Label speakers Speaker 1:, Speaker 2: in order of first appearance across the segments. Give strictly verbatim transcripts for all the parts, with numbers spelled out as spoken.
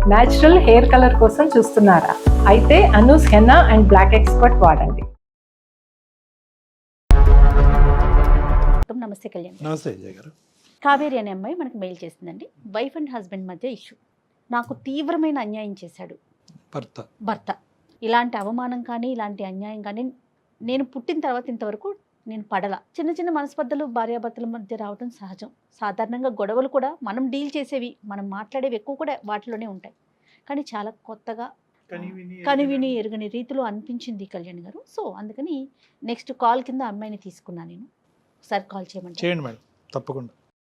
Speaker 1: Natural hair colour కోసం చూస్తున్నారా? అయితే Anoos henna and black expert వాడండి.
Speaker 2: నమస్తే కళ్యాణ్.
Speaker 3: నమస్తే విజయ్ గారు.
Speaker 2: కావేరి అనే అమ్మాయి మనకు మెయిల్ చేసిందండి. వైఫ్ అండ్ హస్బెండ్ మధ్య ఇష్యూ. నాకు తీవ్రమైన అన్యాయం చేశాడు
Speaker 3: భర్త.
Speaker 2: భర్త ఇలాంటి అవమానం కానీ ఇలాంటి అన్యాయం కానీ నేను పుట్టిన తర్వాత ఇంతవరకు నేను పడల. చిన్న చిన్న మనస్పర్ధలు భార్యాభర్తల మధ్య రావడం సహజం. సాధారణంగా గొడవలు కూడా మనం డీల్ చేసేవి, మనం మాట్లాడేవి ఎక్కువ కూడా వాటిలోనే ఉంటాయి. కానీ చాలా కొత్తగా కనివిని ఎరుగని రీతిలో అనిపించింది కళ్యాణ్ గారు. సో అందుకని నెక్స్ట్ కాల్ కింద అమ్మాయిని తీసుకున్నాను నేను. ఒకసారి కాల్ చేయమంటే
Speaker 3: చేయండి మేడం, తప్పకుండా.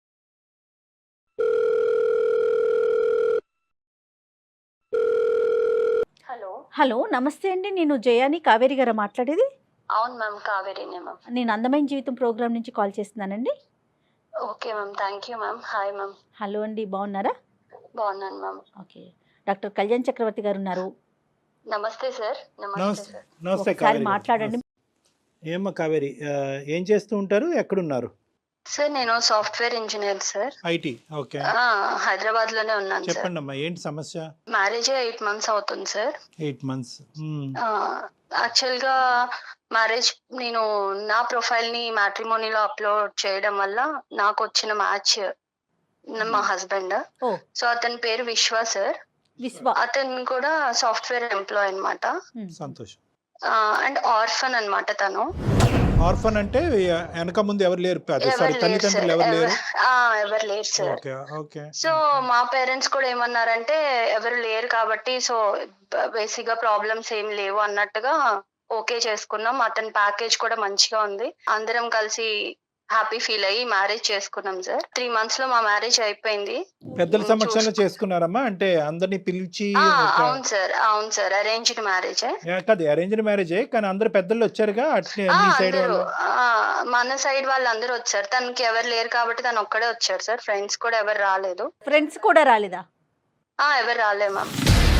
Speaker 4: హలో
Speaker 2: హలో నమస్తే అండి, నేను జయాని కావేరి గారు మాట్లాడేది.
Speaker 4: అవును మ్యామ్, కావేరీనే మ్యామ్.
Speaker 2: నేను అందమైన జీవితం ప్రోగ్రామ్ నుంచి కాల్ చేస్తున్నానండి.
Speaker 4: Okay ma'am, thank you ma'am. Hi ma'am.
Speaker 2: Hello అండి, బాగున్నారా?
Speaker 4: బాగున్నాను ma'am.
Speaker 2: Okay, doctor Kalyan Chakravarthi garu ఉన్నారు.
Speaker 4: నమస్తే సార్. నమస్తే
Speaker 3: నమస్తే
Speaker 4: సార్.
Speaker 3: నమస్తే
Speaker 2: ఒకసారి
Speaker 3: కావేరి గారు.
Speaker 2: మాట్లాడండి.
Speaker 3: ఏమ్మా కావేరి, ఆ, ఏం చేస్తూ ఉంటారు, ఎక్కడున్నారు?
Speaker 4: సార్ నేను software engineer sir.
Speaker 3: IT. Okay,
Speaker 4: Hyderabad లోనే ఉన్నాను సార్.
Speaker 3: చెప్పండి అమ్మా, ఏంటి సమస్య?
Speaker 4: మ్యారేజ్ ఎయిట్ మంత్స్ అవుతుంది సార్.
Speaker 3: ఎయిట్ మంత్స్
Speaker 4: యాక్చువల్ గా మ్యారేజ్ నేను నా ప్రొఫైల్ ని మ్యాట్రిమోనీలో అప్లోడ్ చేయడం వల్ల నాకు వచ్చిన మ్యాచ్ మా హస్బెండ్.
Speaker 2: ఓ
Speaker 4: సో అతని పేరు విశ్వ సార్.
Speaker 2: విశ్వ.
Speaker 4: అతను కూడా సాఫ్ట్వేర్ ఎంప్లాయ్ అన్నమాట.
Speaker 3: సంతోషం.
Speaker 4: అండ్ ఆర్ఫన్ అన్నమాట తను.
Speaker 3: ఆర్ఫన్ అంటే వెనక ముందు ఎవరు లేరు, సారీ
Speaker 4: ఎవరు లేరు
Speaker 3: తల్లిదండ్రులు
Speaker 4: సార్.
Speaker 3: ఎవరు లేరు.
Speaker 4: ఎవరు- ఆ, ఎవరు లేరు సార్.
Speaker 3: Okay okay.
Speaker 4: సో మా పేరెంట్స్ కూడా ఏమన్నారంటే ఎవరు లేరు కాబట్టి సో బేసిక్ గా ప్రాబ్లమ్స్ ఏం లేవు అన్నట్టుగా ఓకే చేసుకున్నాం. అతని ప్యాకేజ్ కూడా మంచిగా ఉంది. అందరం కలిసి హ్యాపీ ఫీల్ అయ్యి మ్యారేజ్ చేసుకున్నాం సార్. త్రీ మంత్స్ లో మా మ్యారేజ్ అయిపోయింది.
Speaker 3: పెద్దల సమక్షంలో చేసుకున్నారమ్మా, అంటే అందరినీ పిలిచి
Speaker 4: ఆ,
Speaker 3: ఒక-
Speaker 4: అవును సార్, అవును సార్, అరేంజ్డ్ మ్యారేజ్.
Speaker 3: ఏ, కాదు అరేంజ్డ్ మ్యారేజే, కానీ అందరు పెద్దలు వచ్చారుగా అట్లే మీ సైడ్
Speaker 4: అందరూ
Speaker 3: వాళ్ళు.
Speaker 4: ఆ, మన సైడ్ వాళ్ళు అందరూ వచ్చారు. తనకి ఎవరు లేరు కాబట్టి తను ఒక్కడే వచ్చారు సార్. ఫ్రెండ్స్ కూడా ఎవరు రాలేదు.
Speaker 2: ఫ్రెండ్స్ కూడా రాలేదా?
Speaker 4: ఆ, ఎవరు రాలే మ్యామ్.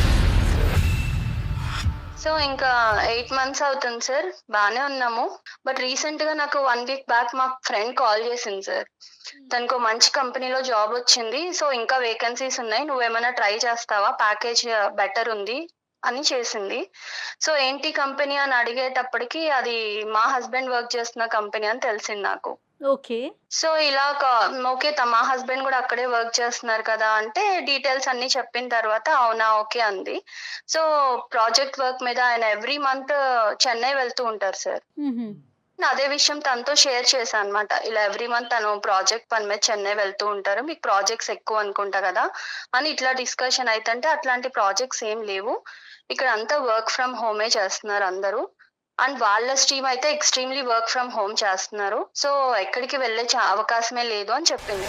Speaker 4: సో ఇంకా ఎయిట్ మంత్స్ అవుతుంది సార్, బాగానే ఉన్నాము. బట్ రీసెంట్ గా నాకు వన్ వీక్ బ్యాక్ మా ఫ్రెండ్ కాల్ చేసింది సార్. తనకు మంచి కంపెనీలో జాబ్ వచ్చింది, సో ఇంకా వేకెన్సీస్ ఉన్నాయి, నువ్వేమైనా ట్రై చేస్తావా, ప్యాకేజ్ బెటర్ ఉంది అని చేసింది. సో ఏంటి కంపెనీ అని అడిగేటప్పటికి అది మా హస్బెండ్ వర్క్ చేస్తున్న కంపెనీ అని తెలిసింది నాకు.
Speaker 2: ఓకే.
Speaker 4: సో ఇలా ఓకే, మా హస్బెండ్ కూడా అక్కడే వర్క్ చేస్తున్నారు కదా అంటే డీటెయిల్స్ అన్ని చెప్పిన తర్వాత అవునా ఓకే అంది. సో ప్రాజెక్ట్ వర్క్ మీద ఆయన ఎవ్రీ మంత్ చెన్నై వెళ్తూ ఉంటారు సార్. అదే విషయం తనతో షేర్ చేశాను అనమాట. ఇలా ఎవ్రీ మంత్ తను ప్రాజెక్ట్ పని మీద చెన్నై వెళ్తూ ఉంటారు, మీకు ప్రాజెక్ట్స్ ఎక్కువ అనుకుంటా కదా అని ఇట్లా డిస్కషన్ అయితే అట్లాంటి ప్రాజెక్ట్స్ ఏం లేవు, ఇక్కడ అంతా వర్క్ ఫ్రమ్ హోమే చేస్తున్నారు అందరూ. అండ్ వాళ్ళ స్ట్రీమ్ అయితే ఎక్స్ట్రీమ్లీ వర్క్ ఫ్రమ్ హోమ్ చేస్తున్నారు, సో ఎక్కడికి వెళ్ళే అవకాశమే లేదు అని చెప్పింది.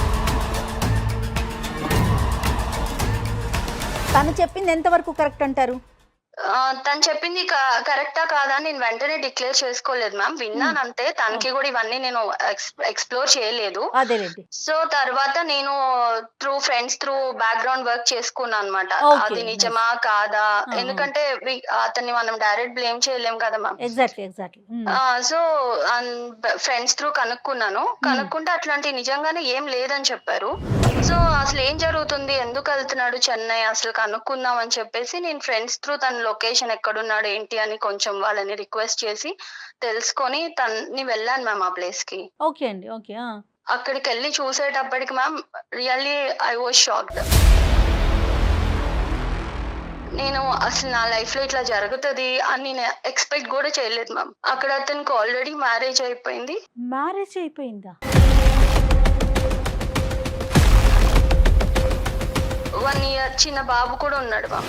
Speaker 2: తను చెప్పింది ఎంతవరకు కరెక్ట్ అంటారు?
Speaker 4: తను చెప్పింది కరెక్టా కాదా నేను వెంటనే డిక్లేర్ చేసుకోలేదు మ్యామ్, విన్నాను అంతే. తనకి కూడా ఇవన్నీ నేను ఎక్స్ప్లోర్ చేయలేదు.
Speaker 2: అదేలేండి.
Speaker 4: సో తర్వాత నేను through friends through background work చేసుకున్నాను అనమాట. అది నిజమా కాదా, ఎందుకంటే అతన్ని మనం డైరెక్ట్ బ్లేమ్ చేయలేం కదా ma'am.
Speaker 2: Exactly exactly.
Speaker 4: So friends through కనుక్కున్నాను. కనుక్కుంటే అట్లాంటి నిజంగానే ఏం లేదని చెప్పారు. సో అసలు ఏం జరుగుతుంది, ఎందుకు వెళ్తున్నాడు చెన్నై అసలు కనుక్కుందాం అని చెప్పేసి నేను ఫ్రెండ్స్ త్రూ తన లొకేషన్ ఎక్కడున్నాడు ఏంటి అని కొంచెం వాళ్ళని రిక్వెస్ట్ చేసి తెలుసుకొని తన్ని వెళ్ళాను మ్యామ్ ఆ ప్లేస్ కి.
Speaker 2: ఓకే అండి, ఓకే.
Speaker 4: అక్కడికి వెళ్ళి చూసేటప్పటికి ma'am really I was shocked. నేను అసలు నా లైఫ్ లో ఇట్లా జరుగుతుంది అని నేను ఎక్స్పెక్ట్ కూడా చేయలేదు మ్యామ్. అక్కడ అతనికి ఆల్రెడీ మ్యారేజ్ అయిపోయింది.
Speaker 2: మ్యారేజ్ అయిపోయిందా?
Speaker 4: వన్ ఇయర్ చిన్న బాబు కూడా ఉన్నాడు మ్యామ్.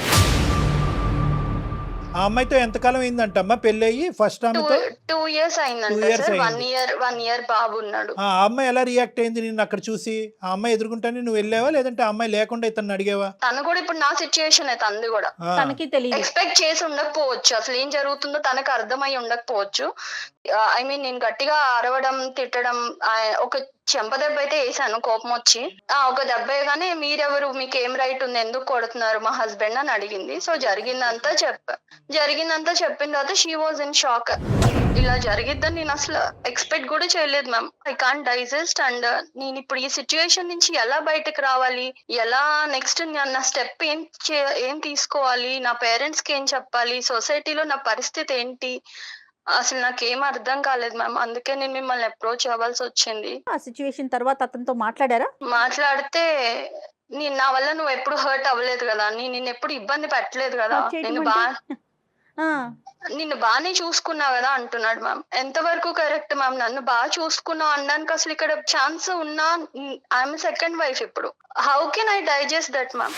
Speaker 3: ఆ అమ్మాయితో ఎంతకాలం అయిందంటమ్మా పెళ్లి అయ్యి? ఫస్ట్ ఆమెతో
Speaker 4: టూ ఇయర్స్ అయిందంట
Speaker 3: Two years
Speaker 4: సార్. వన్
Speaker 3: అయింది.
Speaker 4: ఇయర్ వన్ ఇయర్ బాబు ఉన్నాడు.
Speaker 3: ఆ అమ్మాయి ఎలా రియాక్ట్ అయింది నిన్ను అక్కడ చూసి? ఆ అమ్మాయి ఎదుర్కొంటానే నువ్వు వెళ్ళావా, లేదంటే ఆ అమ్మాయి లేకుండా ఇతను అడిగావా?
Speaker 4: తను కూడా ఇప్పుడు నా సిచ్యుయేషన్ అయితే అంది కూడా
Speaker 3: ఆ,
Speaker 2: తనకి తెలియదు.
Speaker 4: ఎక్స్పెక్ట్ చేసి ఉండకపోవచ్చు, అసలు ఏం జరుగుతుందో తనకు అర్థమై ఉండకపోవచ్చు. ఐ మీన్ నేను గట్టిగా అరవడం తిట్టడం ఆ, ఒక చెంప దెబ్బ అయితే వేసాను కోపం వచ్చి. ఆ ఒక దెబ్బ వేయగానే మీరెవరు, మీకు ఏం రైట్ ఉంది, ఎందుకు కొడుతున్నారు మా హస్బెండ్ అని అడిగింది. సో జరిగిందంతా చెప్పా. జరిగిందంతా చెప్పిన తర్వాత షీ వాజ్ ఇన్ షాక్. ఇలా జరిగిద్దని నేను అసలు ఎక్స్పెక్ట్ కూడా చేయలేదు ma'am. I can't digest. And నేను ఇప్పుడు ఈ సిచ్యువేషన్ నుంచి ఎలా బయటకు రావాలి, ఎలా నెక్స్ట్ నా స్టెప్ ఏం చే- ఏం తీసుకోవాలి, నా పేరెంట్స్ కి ఏం చెప్పాలి, సొసైటీలో నా పరిస్థితి ఏంటి, అసలు నాకేం అర్థం కాలేదు మ్యామ్. అందుకే నేను మిమ్మల్ని అప్రోచ్ అవ్వాల్సి వచ్చింది.
Speaker 2: ఆ సిచ్యువేషన్ తర్వాత అతనితో మాట్లాడారా?
Speaker 4: మాట్లాడితే నేను నా వల్ల నువ్వు ఎప్పుడు హర్ట్ అవ్వలేదు కదా, నేను నిన్ను ఎప్పుడు ఇబ్బంది పెట్టలేదు కదా,
Speaker 2: Hurt చేయడం
Speaker 4: నేను బా
Speaker 2: అంటే? ఆ,
Speaker 4: నిన్ను బాగానే చూసుకున్నా కదా అంటున్నాడు మ్యామ్. ఎంతవరకు కరెక్ట్ మ్యామ్? నన్ను బాగా చూసుకున్నావు అనడానికి అసలు ఇక్కడ ఛాన్స్ ఉన్నా, ఐఎమ్ సెకండ్ వైఫ్ ఇప్పుడు. How can I digest that ma'am?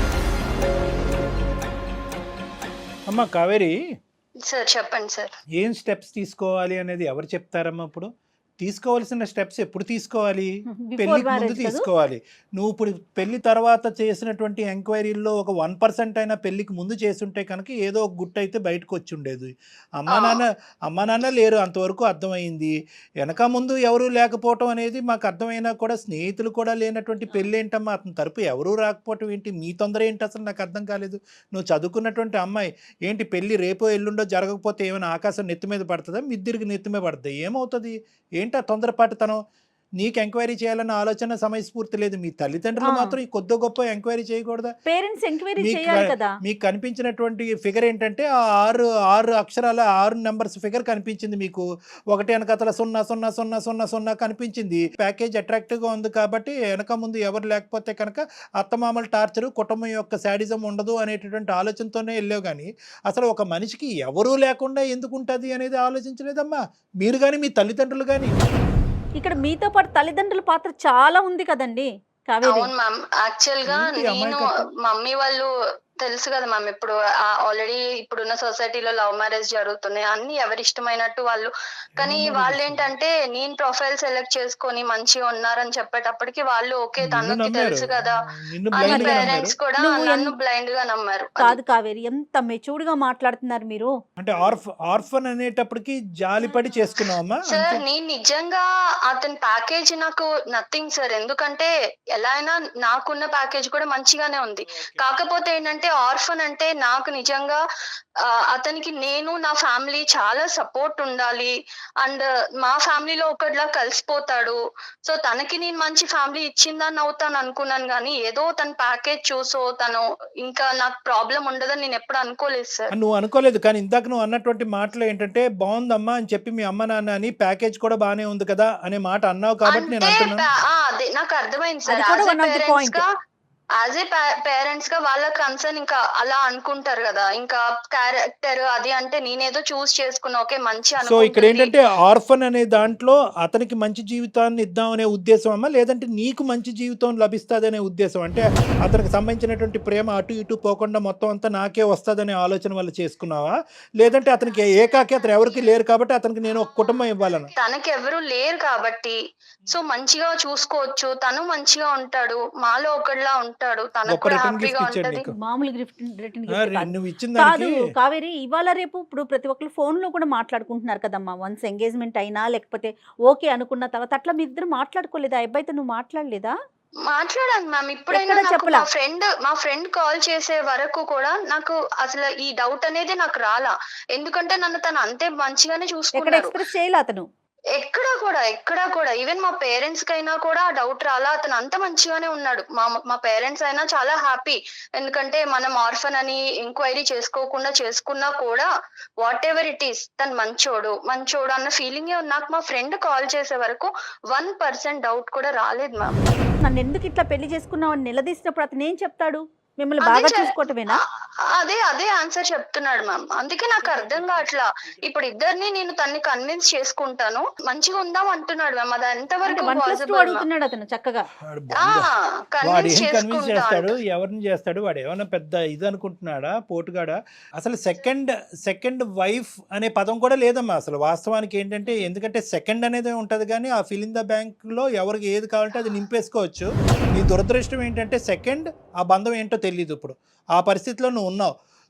Speaker 3: అమ్మ కావేరి,
Speaker 4: సార్ చెప్పండి సార్.
Speaker 3: ఏం స్టెప్స్ తీసుకోవాలి అనేది ఎవరు చెప్తారమ్మా? ఇప్పుడు తీసుకోవాల్సిన స్టెప్స్ ఎప్పుడు తీసుకోవాలి?
Speaker 2: Before
Speaker 3: పెళ్లికి ముందు
Speaker 2: marriage కదా?
Speaker 3: తీసుకోవాలి. నువ్వు ఇప్పుడు పెళ్లి తర్వాత చేసినటువంటి ఎంక్వైరీల్లో ఒక వన్ పర్సెంట్ అయినా పెళ్లికి ముందు చేసుంటే కనుక ఏదో ఒక గుట్ట అయితే బయటకు వచ్చి ఉండేది. అమ్మా
Speaker 4: ఆ.
Speaker 3: నాన్న అమ్మా నాన్న లేరు, అంతవరకు అర్థమైంది. వెనక ముందు ఎవరు లేకపోవటం అనేది మాకు అర్థమైనా కూడా స్నేహితులు కూడా లేనటువంటి పెళ్ళి ఏంటమ్మా? అతని తరపు ఎవరూ రాకపోవటం ఏంటి? మీ తొందర ఏంటి అసలు నాకు అర్థం కాలేదు. నువ్వు చదువుకున్నటువంటి అమ్మాయి ఏంటి, పెళ్ళి రేపో ఎల్లుండో జరగకపోతే ఏమైనా ఆకాశం నెత్తి మీద పడుతుందా, మిద్దిరికి నెత్తి మీద పడుతుంది? ఏమవుతుంది? ఏంటి ఆ తొందరపాటుతనం? నీకు ఎంక్వైరీ చేయాలన్న ఆలోచన సమయస్ఫూర్తి లేదు. మీ తల్లిదండ్రులు
Speaker 2: ఆ.
Speaker 3: మాత్రం ఈ కొద్ది గొప్ప ఎంక్వైరీ చేయకూడదా?
Speaker 2: పేరెంట్స్ ఎంక్వైరీ
Speaker 3: మీకు
Speaker 2: చేయాలి కదా.
Speaker 3: మీకు కనిపించినటువంటి ఫిగర్ ఏంటంటే ఆ ఆరు ఆరు అక్షరాల ఆరు నెంబర్స్ ఫిగర్ కనిపించింది మీకు. ఒకటి వెనకతల సున్నా సున్నా సున్నా సున్నా సున్నా కనిపించింది. ప్యాకేజ్ అట్రాక్టివ్గా ఉంది కాబట్టి వెనక ముందు ఎవరు లేకపోతే కనుక అత్తమామల టార్చరు, కుటుంబం యొక్క శాడిజం ఉండదు అనేటటువంటి ఆలోచనతోనే వెళ్ళావు. కానీ అసలు ఒక మనిషికి ఎవరూ లేకుండా ఎందుకు ఉంటుంది అనేది ఆలోచించలేదమ్మా మీరు కానీ మీ తల్లిదండ్రులు కానీ.
Speaker 2: ఇక్కడ మీతో పాటు తల్లిదండ్రుల పాత్ర చాలా ఉంది కదండి కావేరి.
Speaker 4: అవును మ్యామ్. యాక్చువల్ గా
Speaker 3: ఏంటి
Speaker 4: నేను
Speaker 3: అమాయకత్వం?
Speaker 4: మమ్మీ వాళ్ళు తెలుసు కదా మ్యామ్, ఇప్పుడు ఆల్రెడీ ఇప్పుడున్న సొసైటీలో లవ్ మ్యారేజ్ జరుగుతున్నాయి, అన్ని ఎవరి ఇష్టమైనట్టు వాళ్ళు. కానీ
Speaker 3: ఏమన్నారు?
Speaker 4: వాళ్ళు ఏంటంటే నేను ప్రొఫైల్ సెలెక్ట్ చేసుకొని మంచిగా ఉన్నారని చెప్పేటప్పటికి వాళ్ళు ఓకే
Speaker 3: నిన్ను
Speaker 4: తనకి
Speaker 3: నమ్మారు,
Speaker 4: తెలుసు కదా
Speaker 3: నిన్ను
Speaker 4: అని
Speaker 3: blind గా నమ్మారు.
Speaker 4: పేరెంట్స్ కూడా
Speaker 2: నువ్వు
Speaker 4: నన్ను
Speaker 2: ఎన్-
Speaker 4: బ్లైండ్ గా నమ్మారు.
Speaker 2: కాదు కావేరి, ఎంత మెచ్యూర్డ్ గా మాట్లాడుతున్నారు మీరు.
Speaker 3: అంటే ఆర్ఫ్ ఆర్ఫన్ అనేటప్పటికి జాలిపడి చేసుకున్నావమ్మా?
Speaker 4: సార్
Speaker 3: అంతే.
Speaker 4: నేను నిజంగా అతని ప్యాకేజ్ నాకు నథింగ్ సార్. ఎందుకంటే ఎలా అయినా నాకున్న ప్యాకేజ్ కూడా మంచిగానే ఉంది. కాకపోతే ఏంటంటే ఆర్ఫన్ అంటే నాకు నిజంగా ఆ, అతనికి నేను నా ఫ్యామిలీ చాలా సపోర్ట్ ఉండాలి. అండ్ మా ఫ్యామిలీలో ఒకటిలా కలిసిపోతాడు. సో తనకి నేను మంచి ఫ్యామిలీ ఇచ్చిందని అవుతాను అనుకున్నాను. కానీ ఏదో తన ప్యాకేజ్ చూసో తను ఇంకా నాకు ప్రాబ్లం ఉండదని నేను ఎప్పుడు అనుకోలేదు సార్.
Speaker 3: నువ్వు అనుకోలేదు, కానీ ఇందాక నువ్వు అన్నటువంటి మాటలు ఏంటంటే బాగుందమ్మా అని చెప్పి మీ అమ్మ నాన్న అని ప్యాకేజ్ కూడా బాగానే ఉంది కదా అనే మాట అన్నావు కాబట్టి నేను
Speaker 4: అంటే
Speaker 3: అంటున్నాను.
Speaker 4: ప- ఆ, అదే నాకు అర్థమైంది సార్.
Speaker 2: అది కూడా
Speaker 4: as a
Speaker 2: one of the
Speaker 4: parents
Speaker 2: point.
Speaker 4: గా యాజ్ ఏ పేరెంట్స్ గా వాళ్ళ కన్సర్న్ ఇంకా అలా అనుకుంటారు కదా, ఇంకా క్యారెక్టర్ అది అంటే నేనేదో చూస్ చేసుకున్నా ఓకే మంచి
Speaker 3: సో ఇక్కడ
Speaker 4: అనుకుంటుంది.
Speaker 3: ఏంటంటే ఆర్ఫన్ అనే దాంట్లో అతనికి మంచి జీవితాన్ని ఇద్దాం అనే ఉద్దేశం అమ్మా, లేదంటే నీకు మంచి జీవితం లభిస్తుంది అనే ఉద్దేశం? అంటే అతనికి సంబంధించినటువంటి ప్రేమ అటు ఇటు పోకుండా మొత్తం అంతా నాకే వస్తుందనే ఆలోచన వల్ల చేసుకున్నావా, లేదంటే అతనికి ఏకాకి అతను ఎవరికి లేరు కాబట్టి అతనికి నేను ఒక కుటుంబం ఇవ్వాలని?
Speaker 4: తనకి ఎవరు లేరు కాబట్టి సో మంచిగా చూసుకోవచ్చు, తను మంచిగా ఉంటాడు, మాలో ఒకటిలా ఉంటాడు, తనకు
Speaker 3: గొప్ప
Speaker 4: కూడా
Speaker 3: రిటర్న్ గిఫ్ట్
Speaker 4: హ్యాపీగా
Speaker 3: ఇచ్చాడు
Speaker 4: ఉంటది.
Speaker 3: నీకు.
Speaker 2: మామూలు గిఫ్ట్ రిటర్న్
Speaker 3: ఆ,
Speaker 2: గిఫ్ట్
Speaker 3: రి-
Speaker 2: కాదు.
Speaker 3: నువ్వు ఇచ్చిన
Speaker 2: కాదు
Speaker 3: దానికి
Speaker 2: కావేరి, ఇవాళ రేపు ఇప్పుడు ప్రతి ఒక్కరు ఫోన్ లో కూడా మాట్లాడుకుంటున్నారు కదమ్మా. వన్స్ ఎంగేజ్మెంట్ అయినా లేకపోతే ఓకే అనుకున్న తర్వాత అట్లా మీ ఇద్దరు మాట్లాడుకోలేదా? ఆ అబ్బాయితో నువ్వు మాట్లాడలేదా?
Speaker 4: మాట్లాడాను మ్యామ్. ఇప్పుడైనా
Speaker 2: ఎక్కడ
Speaker 4: నాకు
Speaker 2: చెప్పలా?
Speaker 4: మా ఫ్రెండ్ మా ఫ్రెండ్ కాల్ చేసే వరకు కూడా నాకు అసలు ఈ డౌట్ అనేది నాకు రాలా. ఎందుకంటే నన్ను తను అంతే మంచిగానే
Speaker 2: ఎక్కడ
Speaker 4: చూసుకున్నాడు.
Speaker 2: ఎక్స్ప్రెస్ చేయలే అతను?
Speaker 4: ఎక్కడా కూడా ఎక్కడా కూడా ఈవెన్ మా పేరెంట్స్ కైనా కూడా డౌట్ రాలా. అతను అంత మంచిగానే ఉన్నాడు. మా మా పేరెంట్స్ అయినా చాలా హ్యాపీ. ఎందుకంటే మనం ఆర్ఫన్ అని ఎంక్వైరీ చేసుకోకుండా చేసుకున్నా కూడా వాట్ ఎవర్ ఇట్ ఈస్ తను మంచోడు మంచోడు అన్న ఫీలింగే ఉంది. నాకు మా ఫ్రెండ్ కాల్ చేసే వరకు వన్ పర్సెంట్ డౌట్ కూడా రాలేదు మ్యామ్.
Speaker 2: నన్ను ఎందుకు ఇట్లా పెళ్లి చేసుకున్నావు అని నిలదీసినప్పుడు అతను ఏం చెప్తాడు? మిమ్మల్ని
Speaker 4: అదే
Speaker 2: బాగా
Speaker 4: చె-
Speaker 2: చూసుకోవటమేనా?
Speaker 4: ఆ- అదే అదే ఆన్సర్ చెప్తున్నాడు మ్యామ్. అందుకే నాకు అర్థం కావట్లా. ఇప్పుడు ఇద్దరిని నేను తన్ని కన్విన్స్ చేసుకుంటాను మంచిగా ఉందాం అంటున్నాడు మ్యామ్. అది
Speaker 2: అంటే
Speaker 4: ఎంతవరకు
Speaker 2: one plus two
Speaker 4: possible ma'am?
Speaker 2: అడుగుతున్నాడు అతను చక్కగా.
Speaker 3: వాడు
Speaker 4: ఆ
Speaker 3: బాగుంది. వాడు
Speaker 4: కన్విన్స్
Speaker 3: ఏం కన్విన్స్
Speaker 4: చేసుకుంటా
Speaker 3: చేస్తాడు,
Speaker 4: అంట.
Speaker 3: ఎవరిని చేస్తాడు, వాడు ఏమైనా పెద్ద ఇది అనుకుంటున్నాడా, పోటుగాడా? అసలు సెకండ్ సెకండ్ వైఫ్ అనే పదం కూడా లేదమ్మా అసలు వాస్తవానికి. ఏంటంటే ఎందుకంటే సెకండ్ అనేది ఉంటుంది కానీ ఆ ఫిల్ ఇన్ ద బ్యాంక్లో ఎవరికి ఏది కావాలంటే అది నింపేసుకోవచ్చు. నీ దురదృష్టం ఏంటంటే సెకండ్ ఆ బంధం ఏంటో తెలియదు. ఇప్పుడు ఆ పరిస్థితిలో నువ్వు ఉన్నావు.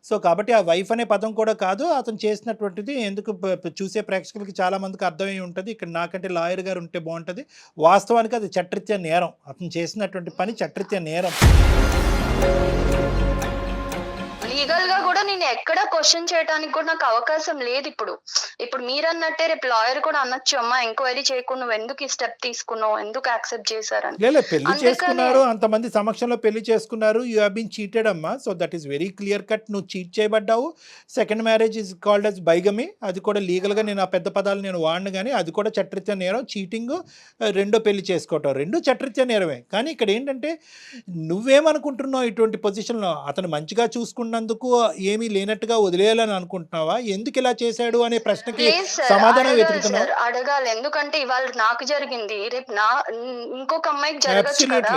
Speaker 3: సో కాబట్టి ఆ వైఫ్ అనే పదం కూడా కాదు, అతను చేసినటువంటిది ఎందుకు ప- ప- చూసే ప్రేక్షకులకి చాలా మందికి అర్థమై ఉంటుంది. ఇక్కడ నాకంటే లాయర్ గారు ఉంటే బాగుంటుంది. వాస్తవానికి అది చట్టరీత్యా నేరం, అతను చేసినటువంటి పని చట్టరీత్యా నేరం.
Speaker 4: లీగల్ గా కూడా నేను ఎక్కడ క్వశ్చన్ చేయడానికి కూడా నాకు అవకాశం లేదు. ఇప్పుడు ఇప్పుడు మీరు అన్నట్టే రేపు లాయర్ కూడా అనొచ్చు, అమ్మా ఎంక్వైరీ చేయకుండా నువ్వు ఎందుకు ఈ స్టెప్ తీసుకున్నావు, ఎందుకు యాక్సెప్ట్ చేశారని.
Speaker 3: లేదు పెళ్లి
Speaker 4: అందుకనే-
Speaker 3: చేసుకున్నారు, అంతమంది సమక్షంలో పెళ్లి చేసుకున్నారు, యూ హ్యావ్ బీన్ చీటెడ్ అమ్మా. So that is very clear cut, నువ్వు చీట్ చేయబడ్డావు. Second marriage is called as bigamy, అది కూడా లీగల్గా నేను ఆ పెద్ద పదాలు నేను వాడిను, కానీ అది కూడా చట్టరీత్యా నేరం. చీటింగ్, రెండో పెళ్లి చేసుకోవటం రెండు చట్టరీత్యా నేరమే. కానీ ఇక్కడ ఏంటంటే నువ్వేమనుకుంటున్నావు, ఇటువంటి పొజిషన్లో అతను మంచిగా చూసుకున్నందుకు ఏమీ లేనట్టుగా వదిలేయాలని అనుకుంటున్నావా? ఎందుకు ఇలా చేశాడు అనే ప్రశ్నకి
Speaker 4: లేదు సార్,
Speaker 3: సమాధానం
Speaker 4: అడగాలి
Speaker 3: వెతుకుతున్నావు.
Speaker 4: సార్, అడగాలి. ఎందుకంటే ఇవాళ నాకు జరిగింది, రేపు నా ఇంకొక అమ్మాయికి జరగచ్చు కదా.